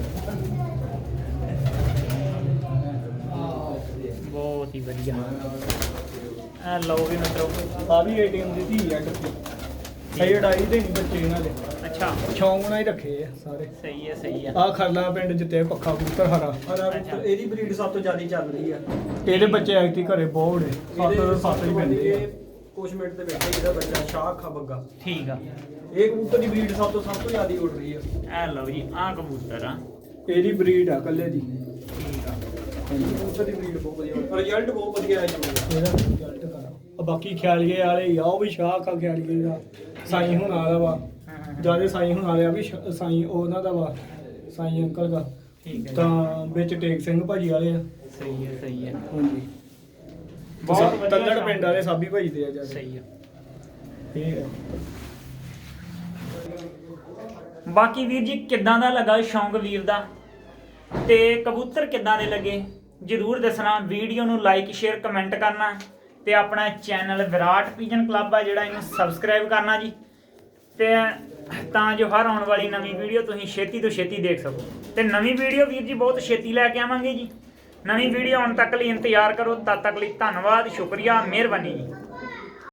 ਬਹੁਤ ਹੀ ਵਧੀਆ। ਆ ਲਓ ਵੀ ਮਿੱਤਰੋ। ਆ ਵੀ ਏਟੀਐਮ ਦੀ ਧੀ ਆ ਟੱਪੀ। ਇਹ ਉਡਾਈ ਦੇ ਨਹੀਂ ਬੱਚੇ ਇਹਨਾਂ ਦੇ, ਅੱਛਾ ਸ਼ੌਂਕ ਨਾਲ ਹੀ ਰੱਖੇ ਆ ਸਾਰੇ। ਸਹੀ ਹੈ ਸਹੀ ਹੈ। ਆਹ ਖਰਲਾ ਪਿੰਡ ਜਿੱਤੇ ਪੱਖਾ ਕਬੂਤਰ ਹਰਾ। ਹਰਾ ਕਬੂਤਰ ਇਹਦੀ ਬਰੀਡ ਸਭ ਤੋਂ ਜ਼ਿਆਦਾ ਚੱਲ ਰਹੀ ਆ। ਇਹਦੇ ਬੱਚੇ ਐਕਟੀ ਘਰੇ ਬਹੁਤ ਨੇ। ਸੱਤ ਸੱਤ ਹੀ ਪੈਂਦੇ ਆ। ਕੁਛ ਮਿੰਟ ਦੇ ਵਿੱਚ ਇਹਦਾ ਬੱਚਾ ਸ਼ਾਹ ਅੱਖਾਂ ਬੱਗਾ। ਠੀਕ ਆ। ਇਹ ਕਬੂਤਰ ਦੀ ਬਰੀਡ ਸਭ ਤੋਂ ਸਭ ਤੋਂ ਜ਼ਿਆਦਾ ਉੱਡ ਰਹੀ ਆ। ਆ ਲਓ ਜੀ, ਆ ਕਬੂਤਰ ਆ। ਇਹਦੀ ਬਰੀਡ ਆ ਕੱਲੇ ਦੀ। ਠੀਕ ਆ। ਕਬੂਤਰ ਦੀ ਬਰੀਡ ਬਹੁਤ ਵਧੀਆ, ਰਿਜ਼ਲਟ ਬਹੁਤ ਵਧੀਆ ਹੈ ਜੀ। ਇਹਦਾ ਰਿਜ਼ਲਟ ਕਰਾ। ਆ ਬਾਕੀ ਖਿਆਲੀਏ ਵਾਲੇ ਹੀ ਆ, ਉਹ ਵੀ ਸ਼ਾਹ ਕਾ ਖਿਆਲੀਏ ਦਾ ਸਾਈਂ ਹੁਣ ਵਾਲਾ ਵਾ। ਜਿਆਦਾ ਸਾਈਂ ਹੁਣ ਵਾਲਿਆ ਵੀ ਸ਼- ਸਾਈਂ ਉਹਨਾਂ ਦਾ ਵਾ, ਸਾਈਂ ਅੰਕਲ ਦਾ। ਠੀਕ ਹੈ ਜੀ। ਤਾਂ ਵਿੱਚ ਟੇਕ ਸਿੰਘ ਭਾਜੀ ਵਾਲੇ ਆ। ਸਹੀ ਹੈ ਸਹੀ ਹੈ। ਹਾਂਜੀ ਬਹੁਤ ਵਧੀਆ ਤੱਲੜ ਸ਼ੌਂਕ। ਪਿੰਡ ਵਾਲੇ ਸਾਬੀ ਭਾਜੀ ਦੇ ਆ ਜਿਆਦਾ। ਸਹੀ ਹੈ। ਇਹ ਹੈ। ਬਾਕੀ ਵੀਰ ਜੀ ਕਿੱਦਾਂ ਦਾ ਲੱਗਾ ਸ਼ੌਂਕ ਵੀਰ ਦਾ, ਤੇ ਕਬੂਤਰ ਕਿੱਦਾਂ ਦੇ ਲੱਗੇ ਜਰੂਰ ਦੱਸਣਾ। ਵੀਡੀਓ ਨੂੰ ਲਾਈਕ ਸ਼ੇਅਰ ਕਮੈਂਟ ਕਰਨਾ, ਤੇ ਆਪਣਾ ਚੈਨਲ ਵਿਰਾਟ ਪੀਜਨ ਕਲੱਬ ਆ ਜਿਹੜਾ ਇਹਨੂੰ ਸਬਸਕ੍ਰਾਈਬ ਕਰਨਾ ਜੀ, ਤੇ ਤਾਂ ਜੋ ਹਰ ਆਉਣ ਵਾਲੀ ਨਵੀਂ ਵੀਡੀਓ ਤੁਸੀਂ ਛੇਤੀ ਤੋਂ ਛੇਤੀ ਦੇਖ ਸਕੋ। ਤੇ ਨਵੀਂ ਵੀਡੀਓ ਵੀਰ ਜੀ ਬਹੁਤ ਛੇਤੀ ਲੈ ਕੇ ਆਵਾਂਗੇ ਜੀ। ਨਵੀਂ ਵੀਡੀਓ ਆਉਣ ਤੱਕ ਲਈ ਇੰਤਜ਼ਾਰ ਕਰੋ। ਤਦ ਤੱਕ ਲਈ ਧੰਨਵਾਦ, ਸ਼ੁਕਰੀਆ, ਮਿਹਰਬਾਨੀ ਜੀ।